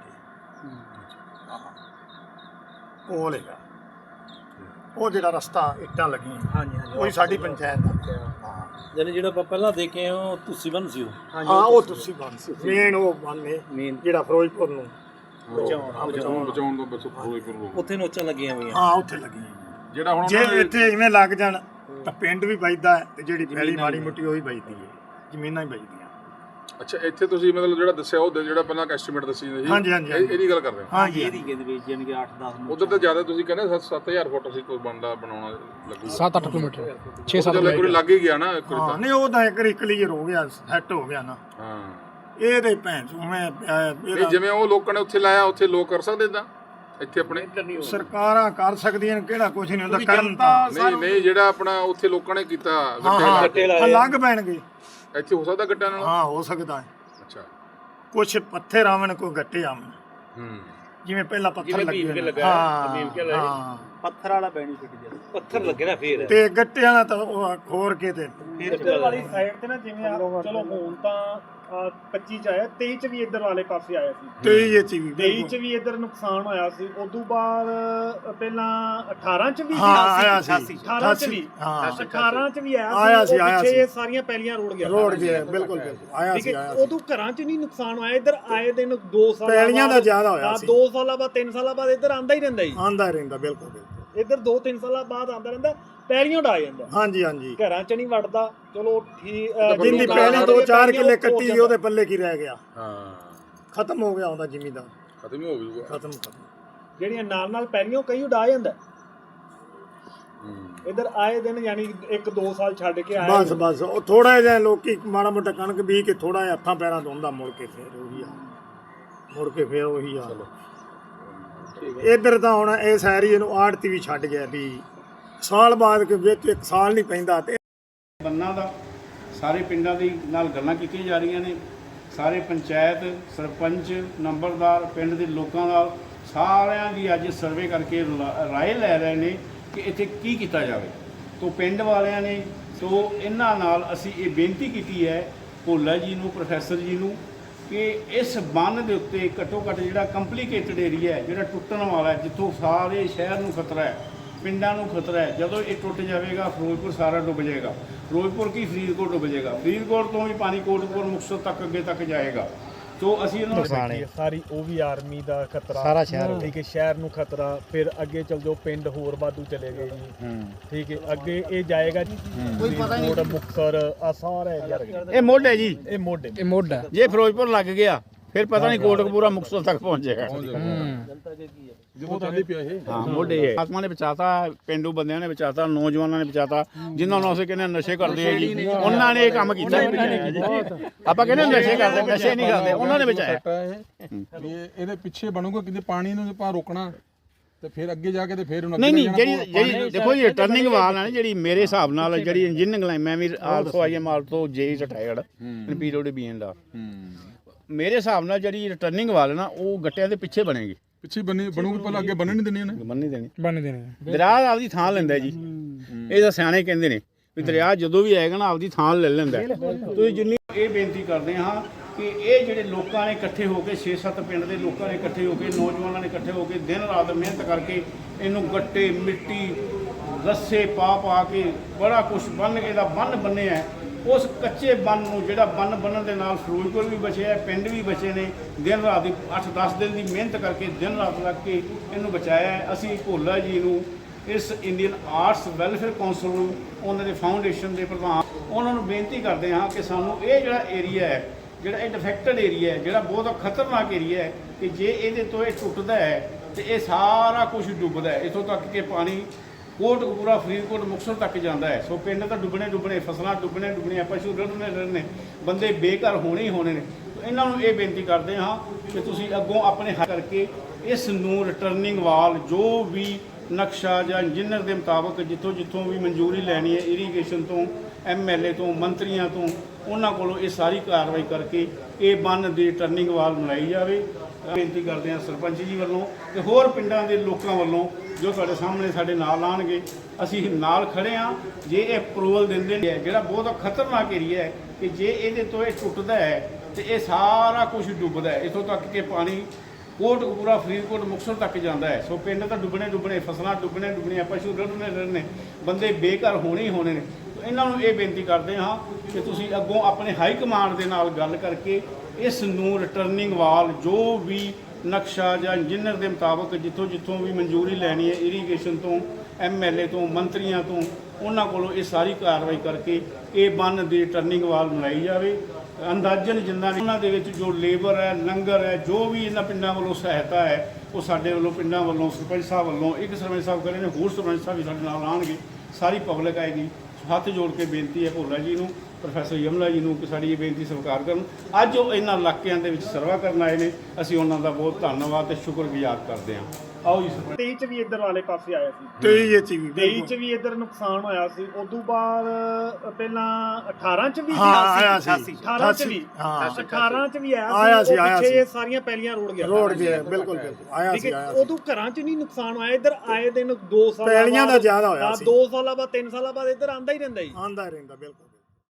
[SPEAKER 5] ਕੋਲ ਹੈਗਾ। ਉਹ ਜਿਹੜਾ ਰਸਤਾ ਇੱਟਾਂ ਲੱਗੀਆਂ
[SPEAKER 4] ਹਾਂਜੀ ਹਾਂਜੀ
[SPEAKER 5] ਉਹੀ ਸਾਡੀ ਪੰਚਾਇਤ ਦਾ।
[SPEAKER 4] ਯਾਨੀ ਜਿਹੜਾ ਆਪਾਂ ਪਹਿਲਾਂ ਦੇਖੇ ਉਹ ਤੁਸੀਂ ਬਣ ਸੀ ਉਹ
[SPEAKER 5] ਹਾਂ ਉਹ ਤੁਸੀਂ ਬੰਨ ਸੀ ਮੇਨ ਉਹ ਬੰਨੇ
[SPEAKER 4] ਮੇਨ
[SPEAKER 5] ਜਿਹੜਾ ਫਿਰੋਜ਼ਪੁਰ ਨੂੰ
[SPEAKER 2] ਬਚਾਉਣ ਬਚਾਉਣ ਤੋਂ ਬਸ ਫਿਰੋਜ਼ਪੁਰ ਨੂੰ
[SPEAKER 4] ਉੱਥੇ ਨੋਚਾਂ ਲੱਗੀਆਂ ਹੋਈਆਂ।
[SPEAKER 5] ਹਾਂ ਉੱਥੇ ਲੱਗੀਆਂ।
[SPEAKER 2] ਜਿਹੜਾ ਹੁਣ
[SPEAKER 5] ਜੇ
[SPEAKER 2] ਉਹਨਾਂ ਦੇ-
[SPEAKER 5] ਇੱਥੇ ਇਵੇਂ ਲੱਗ ਜਾਣ ਤਾਂ ਪਿੰਡ ਵੀ ਬਚਦਾ ਹੈ ਤੇ ਜਿਹੜੀ ਪਹਿਲੀ ਮਾੜੀ ਮੁੱਟੀ ਉਹ ਵੀ ਬਚਦੀ ਹੈ, ਜ਼ਮੀਨਾਂ ਹੀ ਬਚਦੀਆਂ।
[SPEAKER 2] ਅੱਛਾ ਇੱਥੇ ਤੁਸੀਂ ਮਤਲਬ ਜਿਹੜਾ ਦੱਸਿਆ ਉਹ ਜਿਹੜਾ ਪਹਿਲਾਂ ਐਸਟੀਮੇਟ ਦੱਸੀ ਜੀ
[SPEAKER 5] ਹਾਂਜੀ, ਹਾਂਜੀ,
[SPEAKER 2] ਇਹ- ਇਹਦੀ ਗੱਲ ਕਰ ਰਹੇ ਹੋ?
[SPEAKER 5] ਹਾਂਜੀ
[SPEAKER 4] ਏਰੀਏ ਦੇ ਵਿੱਚ ਯਾਨੀ ਕਿ ਅੱਠ ਦਸ ਨੂੰ
[SPEAKER 2] ਉਧਰ ਤਾਂ ਜ਼ਿਆਦਾ ਤੁਸੀਂ ਕਹਿੰਦੇ ਸੱਤ ਹਜ਼ਾਰ ਫੁੱਟ ਅਸੀਂ ਕੋਈ ਬੰਦਾ ਬਣਾਉਣਾ ਲੱਗੂਗਾ।
[SPEAKER 6] ਸੱਤ ਅੱਠ ਕਿਲੋਮੀਟਰ ਛੇ ਸੱਤ
[SPEAKER 2] ਚੱਲ ਇੱਕ ਵਾਰੀ ਲੱਗ ਹੀ ਗਿਆ ਨਾ ਇੱਕ ਵਾਰੀ
[SPEAKER 5] ਹਾਂ
[SPEAKER 2] ਤਾਂ।
[SPEAKER 5] ਨਹੀਂ ਉਹ ਤਾਂ ਇੱਕ ਵਾਰੀ ਕਲੀਅਰ ਹੋ ਗਿਆ, ਸੈੱਟ ਹੋ ਗਿਆ ਨਾ।
[SPEAKER 2] ਹਾਂ
[SPEAKER 5] ਇਹ ਤੇ ਭੈਣ ਚੋਂ ਮੈਂ ਅਹ,
[SPEAKER 2] ਨਹੀਂ
[SPEAKER 5] ਇਹਦਾ
[SPEAKER 2] ਜਿਵੇਂ ਉਹ ਲੋਕਾਂ ਨੇ ਉੱਥੇ ਲਾਇਆ ਉੱਥੇ ਲੋਕ ਕਰ ਸਕਦੇ ਇਦਾਂ ਇੱਥੇ ਆਪਣੇ?
[SPEAKER 5] ਸਰਕਾਰਾਂ ਕਰ ਸਕਦੀਆਂ ਨੇ, ਕਿਹੜਾ ਕੁਝ ਨਹੀਂ ਹੁੰਦਾ ਕਰਨ ਤਾਂ।
[SPEAKER 2] ਨਹੀਂ ਨਹੀਂ ਜਿਹੜਾ ਆਪਣਾ ਉੱਥੇ ਲੋਕਾਂ ਨੇ ਕੀਤਾ
[SPEAKER 5] ਹਾਂ
[SPEAKER 2] ਗੱਟੇ ਲਾ
[SPEAKER 4] ਗੱਟੇ
[SPEAKER 2] ਕੇ,
[SPEAKER 4] ਲਾਏ
[SPEAKER 5] ਹਾਂ ਲੱਗ ਪੈਣਗੇ।
[SPEAKER 2] ਇੱਥੇ ਹੋ ਸਕਦਾ ਗੱਟਿਆਂ ਨਾਲ?
[SPEAKER 5] ਹਾਂ ਹੋ ਸਕਦਾ ਹੈ,
[SPEAKER 2] ਅੱਛਾ
[SPEAKER 5] ਕੁਛ ਪੱਥਰ ਆਵਣ ਕੋਈ ਗੱਟੇ ਆਵਣ,
[SPEAKER 2] ਹੂੰ
[SPEAKER 5] ਜਿਵੇਂ ਪਹਿਲਾਂ ਪੱਥਰ
[SPEAKER 4] ਜਿਵੇਂ
[SPEAKER 5] ਲੱਗੇ
[SPEAKER 4] ਭੀਮ ਕੇ
[SPEAKER 5] ਨੇ।
[SPEAKER 4] ਲੱਗਾ,
[SPEAKER 5] ਹਾਂ
[SPEAKER 4] ਭੀਮ ਕੇ ਲਾਏ।
[SPEAKER 5] ਹਾਂ।
[SPEAKER 4] ਪੱਥਰ ਵਾਲਾ ਬੈਨੀਫਿਟ ਜਿਆਦਾ ਪੱਥਰ ਲੱਗੇ ਨਾ ਫੇਰ
[SPEAKER 5] ਤੇ ਗੱਟਿਆਂ ਦਾ ਤਾਂ ਉਹ ਖੋਰ ਕੇ ਤੇ
[SPEAKER 7] ਇੱਧਰ ਵਾਲੀ ਸਾਈਡ ਤੇ ਨਾ ਜਿਵੇਂ ਆ ਚਲੋ ਹੁਣ ਤਾਂ ਆਹ ਪੱਚੀ ਚ ਆਇਆ, ਤੇਈ ਚ ਵੀ ਇੱਧਰ ਵਾਲੇ ਪਾਸੇ ਆਇਆ ਸੀ।
[SPEAKER 5] ਤੇਈ ਇਹ ਚ ਵੀ
[SPEAKER 7] ਤੇਈ ਚ ਵੀ ਇੱਧਰ ਨੁਕਸਾਨ ਹੋਇਆ ਸੀ। ਉਦੋਂ ਬਾਅਦ ਪਹਿਲਾਂ ਅਠਾਰਾਂ ਚ ਵੀ ਸੀ।
[SPEAKER 5] ਹਾਂ ਆਇਆ ਸੀ
[SPEAKER 7] ਅਠਾਰਾਂ ਚ ਵੀ
[SPEAKER 5] ਹਾਂ
[SPEAKER 7] ਅਠਾਰਾਂ ਚ ਵੀ ਆਇਆ ਸੀ।
[SPEAKER 5] ਆਇਆ ਸੀ,
[SPEAKER 7] ਉਹ
[SPEAKER 5] ਆਇਆ
[SPEAKER 7] ਪਿੱਛੇ
[SPEAKER 5] ਸੀ।
[SPEAKER 7] ਇਹ ਸਾਰੀਆਂ ਪੈਲੀਆਂ ਰੋੜ ਗਿਆ
[SPEAKER 5] ਰੋਡ ਗਿਆ ਬਿਲਕੁਲ ਬਿਲਕੁਲ ਆਇਆ
[SPEAKER 7] ਠੀਕ
[SPEAKER 5] ਸੀ
[SPEAKER 7] ਹੈ।
[SPEAKER 5] ਆਇਆ ਸੀ।
[SPEAKER 7] ਉਦੋਂ ਘਰਾਂ ਚ ਨਹੀਂ ਨੁਕਸਾਨ ਹੋਇਆ, ਇੱਧਰ ਆਏ ਦਿਨ ਦੋ ਸਾਲ
[SPEAKER 5] ਪੈਲੀਆਂ ਦਾ ਜ਼ਿਆਦਾ ਹੋਇਆ ਸੀ।
[SPEAKER 7] ਦੋ ਸਾਲਾਂ ਬਾਅਦ ਤਿੰਨ ਸਾਲਾਂ ਬਾਅਦ ਇੱਧਰ ਆਂਦਾ ਹੀ ਰਹਿੰਦਾ ਜੀ।
[SPEAKER 5] ਆਂਦਾ ਰਹਿੰਦਾ ਬਿਲਕੁਲ ਬਿਲਕੁਲ।
[SPEAKER 7] ਇੱਧਰ ਦੋ ਤਿੰਨ ਸਾਲਾਂ ਬਾਅਦ ਆਂਦਾ ਰਹਿੰਦਾ, ਪੈਲੀਆਂ ਡਾ ਜਾਂਦਾ,
[SPEAKER 5] ਹਾਂਜੀ ਹਾਂਜੀ।
[SPEAKER 7] ਘਰਾਂ ਚ ਨਹੀਂ ਵੜਦਾ। ਚਲੋ ਠੀਕ
[SPEAKER 5] ਜਿੰਦੀ ਪਹਿਲੀ ਦੋ ਚਾਰ ਕਿੱਲੇ ਕੱਟੀ ਉਹਦੇ ਪੱਲੇ ਕੀ ਰਹਿ ਗਿਆ,
[SPEAKER 2] ਹਾਂ
[SPEAKER 5] ਖਤਮ ਹੋ ਗਿਆ ਉਹਦਾ ਜ਼ਿਮੀਦਾਰ,
[SPEAKER 2] ਖਤਮ ਹੀ ਹੋ ਗਈ
[SPEAKER 5] ਖਤਮ ਖਤਮ।
[SPEAKER 7] ਜਿਹੜੀਆਂ ਨਾਲ ਨਾਲ ਪੈਲੀਆਂ ਕਈ ਉਡਾ ਜਾਂਦਾ।
[SPEAKER 2] ਹੂੰ
[SPEAKER 7] ਇੱਧਰ ਆਏ ਦਿਨ ਯਾਨੀ ਇੱਕ ਦੋ ਸਾਲ ਛੱਡ ਕੇ ਆਏ
[SPEAKER 5] ਬਸ ਬਸ ਉਹ ਥੋੜਾ ਜਿਹਾ ਲੋਕੀ ਮਾੜਾ ਮੋਟਾ ਕਣਕ ਬੀਜ ਕੇ ਥੋੜਾ ਜਿਹਾ ਹੱਥਾਂ ਪੈਰਾਂ ਧੋਂਦਾ, ਮੁੜ ਕੇ ਫੇਰ ਉਹੀ ਆ, ਮੁੜ ਕੇ ਫੇਰ ਉਹੀ ਆ। ਇੱਧਰ ਤਾਂ ਹੁਣ ਇਸ ਏਰੀਏ ਨੂੰ ਆੜਤੀ ਵੀ ਛੱਡ ਗਿਆ ਵੀ ਸਾਲ ਬਾਅਦ ਕੇ ਵਿੱਚ ਇੱਕ ਸਾਲ ਨਹੀਂ ਪੈਂਦਾ ਤੇ
[SPEAKER 8] ਬੰਨਾਂ ਦਾ ਸਾਰੇ ਪਿੰਡਾਂ ਦੀ ਨਾਲ ਗੱਲਾਂ ਕੀਤੀਆਂ ਜਾ ਰਹੀਆਂ ਨੇ। ਸਾਰੇ ਪੰਚਾਇਤ ਸਰਪੰਚ ਨੰਬਰਦਾਰ ਪਿੰਡ ਦੇ ਲੋਕਾਂ ਨਾਲ ਸਾਰਿਆਂ ਦੀ ਅੱਜ ਸਰਵੇ ਕਰਕੇ ਲਾ- ਰਾਏ ਲੈ ਰਹੇ ਨੇ ਕਿ ਇੱਥੇ ਕੀ ਕੀਤਾ ਜਾਵੇ। ਤੋਂ ਪਿੰਡ ਵਾਲਿਆਂ ਨੇ ਤੋਂ ਇਹਨਾਂ ਨਾਲ ਅਸੀਂ ਇਹ ਬੇਨਤੀ ਕੀਤੀ ਹੈ ਭੋਲਾ ਜੀ ਨੂੰ, ਪ੍ਰੋਫੈਸਰ ਜੀ ਨੂੰ, ਕਿ ਇਸ ਬੰਨ ਦੇ ਉੱਤੇ ਘੱਟੋ ਘੱਟ ਜਿਹੜਾ ਕੰਪਲੀਕੇਟਡ ਏਰੀਆ ਹੈ, ਜਿਹੜਾ ਟੁੱਟਣ ਵਾਲਾ ਹੈ, ਜਿੱਥੋਂ ਸਾਰੇ ਸ਼ਹਿਰ ਨੂੰ ਖਤਰਾ ਹੈ, ਪਿੰਡਾਂ ਨੂੰ ਖਤਰਾ ਹੈ, ਜਦੋਂ ਇਹ ਟੁੱਟ ਜਾਵੇਗਾ ਫਿਰੋਜ਼ਪੁਰ ਸਾਰਾ ਡੁੱਬ ਜਾਏਗਾ। ਫਿਰੋਜ਼ਪੁਰ ਕੀ ਫਰੀਦਕੋਟ ਡੁੱਬ ਜਾਏਗਾ, ਫਰੀਦਕੋਟ ਤੋਂ ਵੀ ਪਾਣੀ ਕੋਟਪੁਰ ਮੁਕਤਸਰ ਤੱਕ ਅੱਗੇ ਤੱਕ ਜਾਏਗਾ। ਤੋਂ ਅਸੀਂ ਇਹਨਾਂ ਨੂੰ
[SPEAKER 7] ਸਾਰੀ ਉਹ ਵੀ ਆਰਮੀ ਦਾ ਖਤਰਾ, ਸਾਰਾ ਸ਼ਹਿਰ ਠੀਕ ਹੈ, ਸ਼ਹਿਰ ਨੂੰ ਖਤਰਾ। ਫਿਰ ਅੱਗੇ ਚਲ ਜਾਓ ਪਿੰਡ ਹੋਰ ਵਾਧੂ ਚਲੇ ਗਏ ਜੀ, ਠੀਕ ਹੈ, ਅੱਗੇ ਇਹ ਜਾਏਗਾ ਜੀ ਕੋਈ ਪਤਾ ਨਹੀਂ ਮੁਕਤਸਰ ਆ ਸਾਰਾ ਏਰੀਆ
[SPEAKER 8] ਇਹ ਮੁੱਢ ਹੈ ਜੀ,
[SPEAKER 7] ਇਹ ਮੋਢੇ
[SPEAKER 6] ਇਹ ਮੋਢ ਹੈ।
[SPEAKER 8] ਜੇ ਫਿਰੋਜ਼ਪੁਰ ਲੱਗ ਗਿਆ ਫਿਰ ਪਤਾ ਨਹੀਂ ਕੋਟਕਪੂਰਾ ਮੁਕਤਸਰ ਤੱਕ ਪਹੁੰਚੇਗਾ।
[SPEAKER 2] ਜਦੋਂ ਚੱਲਦੀ ਪਿਆ ਇਹ
[SPEAKER 8] ਹਾਂ ਮੋਢੇ ਆਤਮਾ ਨੇ ਬਚਾਤਾ, ਪਿੰਡੂ ਬੰਦਿਆਂ ਨੇ ਬਚਾਤਾ, ਨੌਜਵਾਨਾਂ ਨੇ ਬਚਾਤਾ, ਜਿਨ੍ਹਾਂ ਨੂੰ ਅਸੀਂ ਕਹਿੰਦੇ ਨਸ਼ੇ ਕਰਦੇ ਆ ਜੀ ਉਹਨਾਂ ਨੇ ਇਹ ਕੰਮ ਕੀਤਾ। ਆਪਾਂ ਕਹਿੰਦੇ ਨਸ਼ੇ ਕਰਦੇ, ਨਸ਼ੇ ਨਹੀਂ ਕਰਦੇ, ਉਹਨਾਂ ਨੇ ਬਚਾਇਆ।
[SPEAKER 2] ਇਹ ਵੀ ਇਹਦੇ ਪਿੱਛੇ ਬਣੂਗਾ ਕਿਤੇ ਪਾਣੀ ਨੂੰ ਆਪਾਂ ਰੋਕਣਾ ਤੇ ਫਿਰ ਅੱਗੇ ਜਾ ਕੇ ਤੇ ਫਿਰ ਉਹਨਾਂ
[SPEAKER 8] ਨਹੀਂ ਨਹੀਂ ਜਿਹੜੀ ਜਿਹੜੀ ਦੇਖੋ ਜੀ ਟਰਨਿੰਗ ਵਾਲ ਹੈ ਜਿਹੜੀ ਮੇਰੇ ਹਿਸਾਬ ਨਾਲ ਜਿਹੜੀ ਇੰਜੀਨੀਅਰਿੰਗ ਲਾਈਨ, ਮੈਂ ਵੀ ਆਲਸੋ ਆਈ ਐਮ ਆਲਸੋ ਜੇ retired in period B and ਆ, ਮੇਰੇ ਹਿਸਾਬ ਨਾਲ ਜਿਹੜੀ ਰਿਟਰਨਿੰਗ ਵਾਲ ਨਾ ਉਹ ਗੱਟਿਆਂ ਦੇ ਪਿੱਛੇ ਬਣੇਗੀ,
[SPEAKER 2] ਪਿੱਛੇ ਬਣੀ ਬਣੂਗੀ, ਪਹਿਲਾਂ ਅੱਗੇ ਬੰਨਣ ਨਹੀਂ ਦੇਣੀ ਉਹਨੇ,
[SPEAKER 8] ਬੰਨ ਨਹੀਂ ਦੇਣੀ।
[SPEAKER 6] ਬਣ ਦੇਣੇ
[SPEAKER 8] ਦਰਿਆ ਆਪਦੀ ਥਾਂ ਲੈਂਦਾ ਜੀ, ਇਹ ਤਾਂ ਸਿਆਣੇ ਕਹਿੰਦੇ ਨੇ ਵੀ ਦਰਿਆ ਜਦੋਂ ਵੀ ਆਏਗਾ ਨਾ ਆਪਦੀ ਥਾਂ ਲੈ ਲੈਂਦਾ। ਤੁਸੀਂ ਜਿੰਨੀ ਇਹ ਬੇਨਤੀ ਕਰਦੇ ਹਾਂ ਕਿ ਇਹ ਜਿਹੜੇ ਲੋਕਾਂ ਨੇ ਇਕੱਠੇ ਹੋ ਕੇ ਛੇ ਸੱਤ ਪਿੰਡ ਦੇ ਲੋਕਾਂ ਨੇ ਇਕੱਠੇ ਹੋ ਕੇ, ਨੌਜਵਾਨਾਂ ਨੇ ਇਕੱਠੇ ਹੋ ਕੇ ਦਿਨ ਰਾਤ ਮਿਹਨਤ ਕਰਕੇ ਇਹਨੂੰ ਗੱਟੇ, ਮਿੱਟੀ, ਰੱਸੇ ਪਾ ਪਾ ਕੇ ਬੜਾ ਕੁਛ ਬੰਨ ਕੇ ਇਹਦਾ ਬੰਨ ਬੰਨਿਆ। ਉਸ ਕੱਚੇ ਬੰਨ ਨੂੰ ਜਿਹੜਾ ਬੰਨ ਬੰਨਣ ਦੇ ਨਾਲ ਫਿਰੋਜ਼ਪੁਰ ਵੀ ਬਚਿਆ, ਪਿੰਡ ਵੀ ਬਚੇ ਨੇ, ਦਿਨ ਰਾਤ ਦੀ ਅੱਠ ਦਸ ਦਿਨ ਦੀ ਮਿਹਨਤ ਕਰਕੇ ਦਿਨ ਰਾਤ ਲੱਗ ਕੇ ਇਹਨੂੰ ਬਚਾਇਆ। ਅਸੀਂ ਭੋਲਾ ਜੀ ਨੂੰ, ਇਸ ਇੰਡੀਅਨ ਆਰਟਸ ਵੈਲਫੇਅਰ ਕੌਂਸਲ ਨੂੰ, ਉਹਨਾਂ ਦੇ ਫਾਊਂਡੇਸ਼ਨ ਦੇ ਪ੍ਰਧਾਨ, ਉਹਨਾਂ ਨੂੰ ਬੇਨਤੀ ਕਰਦੇ ਹਾਂ ਕਿ ਸਾਨੂੰ ਇਹ ਜਿਹੜਾ ਏਰੀਆ ਹੈ, ਜਿਹੜਾ ਇਹ ਡਿਫੈਕਟਡ ਏਰੀਆ ਹੈ, ਜਿਹੜਾ ਬਹੁਤ ਖਤਰਨਾਕ ਏਰੀਆ ਹੈ, ਕਿ ਜੇ ਇਹਦੇ ਤੋਂ ਇਹ ਟੁੱਟਦਾ ਹੈ ਤੇ ਇਹ ਸਾਰਾ ਕੁਝ ਡੁੱਬਦਾ ਹੈ, ਇੱਥੋਂ ਤੱਕ ਕਿ ਪਾਣੀ ਕੋਟਕਪੂਰਾ, ਫਰੀਦਕੋਟ, ਮੁਕਤਸਰ ਤੱਕ ਜਾਂਦਾ ਹੈ। ਸੋ ਪਿੰਡ ਤਾਂ ਡੁੱਬਣੇ ਡੁੱਬਣੇ, ਫਸਲਾਂ ਡੁੱਬਣੇ ਡੁੱਬਣੀਆਂ, ਪਸ਼ੂ ਰੜਨੇ ਰੜਨੇ, ਬੰਦੇ ਬੇਘਰ ਹੋਣੇ ਹੀ ਹੋਣੇ ਨੇ। ਇਹਨਾਂ ਨੂੰ ਇਹ ਬੇਨਤੀ ਕਰਦੇ ਹਾਂ ਕਿ ਤੁਸੀਂ ਅੱਗੋਂ ਆਪਣੇ ਹੱਥ ਕਰਕੇ ਇਸ ਨੂੰ ਰਿਟਰਨਿੰਗ ਵਾਲ ਜੋ ਵੀ ਨਕਸ਼ਾ ਜਾਂ ਇੰਜੀਨੀਅਰ ਦੇ ਮੁਤਾਬਕ ਜਿੱਥੋਂ ਜਿੱਥੋਂ ਵੀ ਮਨਜ਼ੂਰੀ ਲੈਣੀ ਹੈ, ਇਰੀਗੇਸ਼ਨ ਤੋਂ, ਐਮ ਐਲ ਏ ਤੋਂ, ਮੰਤਰੀਆਂ ਤੋਂ, ਉਹਨਾਂ ਕੋਲੋਂ ਇਹ ਸਾਰੀ ਕਾਰਵਾਈ ਕਰਕੇ ਇਹ ਬੰਨ ਦੀ ਟਰਨਿੰਗ ਵਾਲ ਬਣਾਈ ਜਾਵੇ। ਬੇਨਤੀ ਕਰਦੇ ਹਾਂ ਸਰਪੰਚ ਜੀ ਵੱਲੋਂ ਤੇ ਹੋਰ ਪਿੰਡਾਂ ਦੇ ਲੋਕਾਂ ਵੱਲੋਂ ਜੋ ਤੁਹਾਡੇ ਸਾਹਮਣੇ ਸਾਡੇ ਨਾਲ ਆਉਣਗੇ, ਅਸੀਂ ਨਾਲ ਖੜੇ ਹਾਂ। ਜੇ ਇਹ ਅਪਰੂਵਲ ਦਿੰਦੇ ਨੇ, ਜਿਹੜਾ ਬਹੁਤ ਖਤਰਨਾਕ ਏਰੀਆ ਹੈ, ਕਿ ਜੇ ਇਹਦੇ ਤੋਂ ਇਹ ਟੁੱਟਦਾ ਹੈ ਤੇ ਇਹ ਸਾਰਾ ਕੁਝ ਡੁੱਬਦਾ ਹੈ, ਇੱਥੋਂ ਤੱਕ ਕਿ ਪਾਣੀ ਕੋਟਕਪੂਰਾ, ਫਰੀਦਕੋਟ, ਮੁਕਤਸਰ ਤੱਕ ਜਾਂਦਾ ਹੈ। ਸੋ ਪਿੰਡ ਤਾਂ ਡੁੱਬਣੇ ਡੁੱਬਣੇ, ਫਸਲਾਂ ਡੁੱਬਣੇ ਡੁੱਬਣੀਆਂ, ਪਸ਼ੂ ਰੜਨੇ ਰੜਨੇ, ਬੰਦੇ ਬੇਘਰ ਹੋਣੇ ਹੀ ਹੋਣੇ ਨੇ। ਇਹਨਾਂ ਨੂੰ ਇਹ ਬੇਨਤੀ ਕਰਦੇ ਹਾਂ ਕਿ ਤੁਸੀਂ ਅੱਗੋਂ ਆਪਣੇ ਹਾਈ ਕਮਾਂਡ ਦੇ ਨਾਲ ਗੱਲ ਕਰਕੇ ਇਸ ਨੂੰ ਰਿਟਰਨਿੰਗ ਵਾਲ ਜੋ ਵੀ ਨਕਸ਼ਾ ਜਾਂ ਇੰਜੀਨੀਅਰ ਦੇ ਮੁਤਾਬਕ ਜਿੱਥੋਂ ਜਿੱਥੋਂ ਵੀ ਮਨਜ਼ੂਰੀ ਲੈਣੀ ਹੈ, ਇਰੀਗੇਸ਼ਨ ਤੋਂ, ਐਮ ਐਲ ਏ ਤੋਂ, ਮੰਤਰੀਆਂ ਤੋਂ, ਉਹਨਾਂ ਕੋਲੋਂ ਇਹ ਸਾਰੀ ਕਾਰਵਾਈ ਕਰਕੇ ਇਹ ਬੰਨ ਦੀ ਰਿਟਰਨਿੰਗ ਵਾਲ ਬਣਾਈ ਜਾਵੇ। ਅੰਦਾਜ਼ਨ ਜਿੰਨਾ ਵੀ ਉਹਨਾਂ ਦੇ ਵਿੱਚ ਜੋ ਲੇਬਰ ਹੈ, ਲੰਗਰ ਹੈ, ਜੋ ਵੀ ਇਹਨਾਂ ਪਿੰਡਾਂ ਵੱਲੋਂ ਸਹਾਇਤਾ ਹੈ, ਉਹ ਸਾਡੇ ਵੱਲੋਂ, ਪਿੰਡਾਂ ਵੱਲੋਂ, ਸਰਪੰਚ ਸਾਹਿਬ ਵੱਲੋਂ, ਇੱਕ ਸਰਪੰਚ ਸਾਹਿਬ ਕਰੇ ਨੇ, ਹੋਰ ਸਰਪੰਚ ਸਾਹਿਬ ਵੀ ਸਾਡੇ ਨਾਲ ਆਉਣਗੇ, ਸਾਰੀ ਪਬਲਿਕ ਆਏਗੀ। ਹੱਥ ਜੋੜ ਕੇ ਬੇਨਤੀ ਹੈ ਭੋਲਾ ਜੀ ਨੂੰ, ਪ੍ਰੋਫੈਸਰ ਯਮਲਾ ਜੀ ਨੂੰ ਕਿ ਸਾਡੀ ਇਹ ਬੇਨਤੀ ਸਵੀਕਾਰ ਕਰਨ। ਅੱਜ ਉਹ ਇਹਨਾਂ ਇਲਾਕਿਆਂ ਦੇ ਵਿੱਚ ਸਰਵਾ ਕਰਨ ਆਏ ਨੇ, ਅਸੀਂ ਉਹਨਾਂ ਦਾ ਬਹੁਤ ਧੰਨਵਾਦ ਤੇ ਸ਼ੁਕਰਗੁਜ਼ਾਰ ਕਰਦੇ ਹਾਂ। ਆਓ ਜੀ ਸਰਪੰਚ।
[SPEAKER 7] ਤੇਈ ਚ ਵੀ ਇੱਧਰ ਵਾਲੇ ਪਾਸੇ ਆਇਆ ਸੀ,
[SPEAKER 5] ਤੇਈ ਚ ਵੀ
[SPEAKER 7] ਤੇਈ ਚ ਵੀ ਇੱਧਰ ਨੁਕਸਾਨ ਹੋਇਆ ਸੀ। ਉਦੋਂ ਬਾਅਦ ਪਹਿਲਾਂ ਅਠਾਰਾਂ ਚ ਵੀ
[SPEAKER 5] ਹਾਂ ਆਇਆ ਸੀ,
[SPEAKER 7] ਅਠਾਰਾਂ ਚ ਵੀ
[SPEAKER 5] ਹਾਂ
[SPEAKER 7] ਅਠਾਰਾਂ ਚ ਵੀ
[SPEAKER 5] ਆਇਆ
[SPEAKER 7] ਆਇਆ
[SPEAKER 5] ਸੀ,
[SPEAKER 7] ਸੀ।
[SPEAKER 5] ਆਇਆ
[SPEAKER 7] ਪਿੱਛੇ
[SPEAKER 5] ਸੀ।
[SPEAKER 7] ਸਾਰੀਆਂ ਪੈਲੀਆਂ ਰੋੜ ਗਿਆ,
[SPEAKER 5] ਰੋਡ ਗਿਆ, ਬਿਲਕੁਲ ਬਿਲਕੁਲ ਆਇਆ
[SPEAKER 7] ਠੀਕ
[SPEAKER 5] ਸੀ,
[SPEAKER 7] ਹੈ।
[SPEAKER 5] ਆਇਆ ਸੀ।
[SPEAKER 7] ਉਦੋਂ ਘਰਾਂ ਚ ਨਹੀਂ ਨੁਕਸਾਨ ਹੋਇਆ, ਇੱਧਰ ਆਏ ਦਿਨ ਦੋ ਸਾਲ
[SPEAKER 5] ਪੈਲੀਆਂ ਦਾ ਜ਼ਿਆਦਾ ਹੋਇਆ ਸੀ।
[SPEAKER 7] ਦੋ ਸਾਲਾਂ ਬਾਅਦ, ਤਿੰਨ ਸਾਲਾਂ ਬਾਅਦ ਇੱਧਰ ਆਂਦਾ ਹੀ ਰਹਿੰਦਾ ਜੀ,
[SPEAKER 5] ਆਂਦਾ ਰਹਿੰਦਾ ਬਿਲਕੁਲ।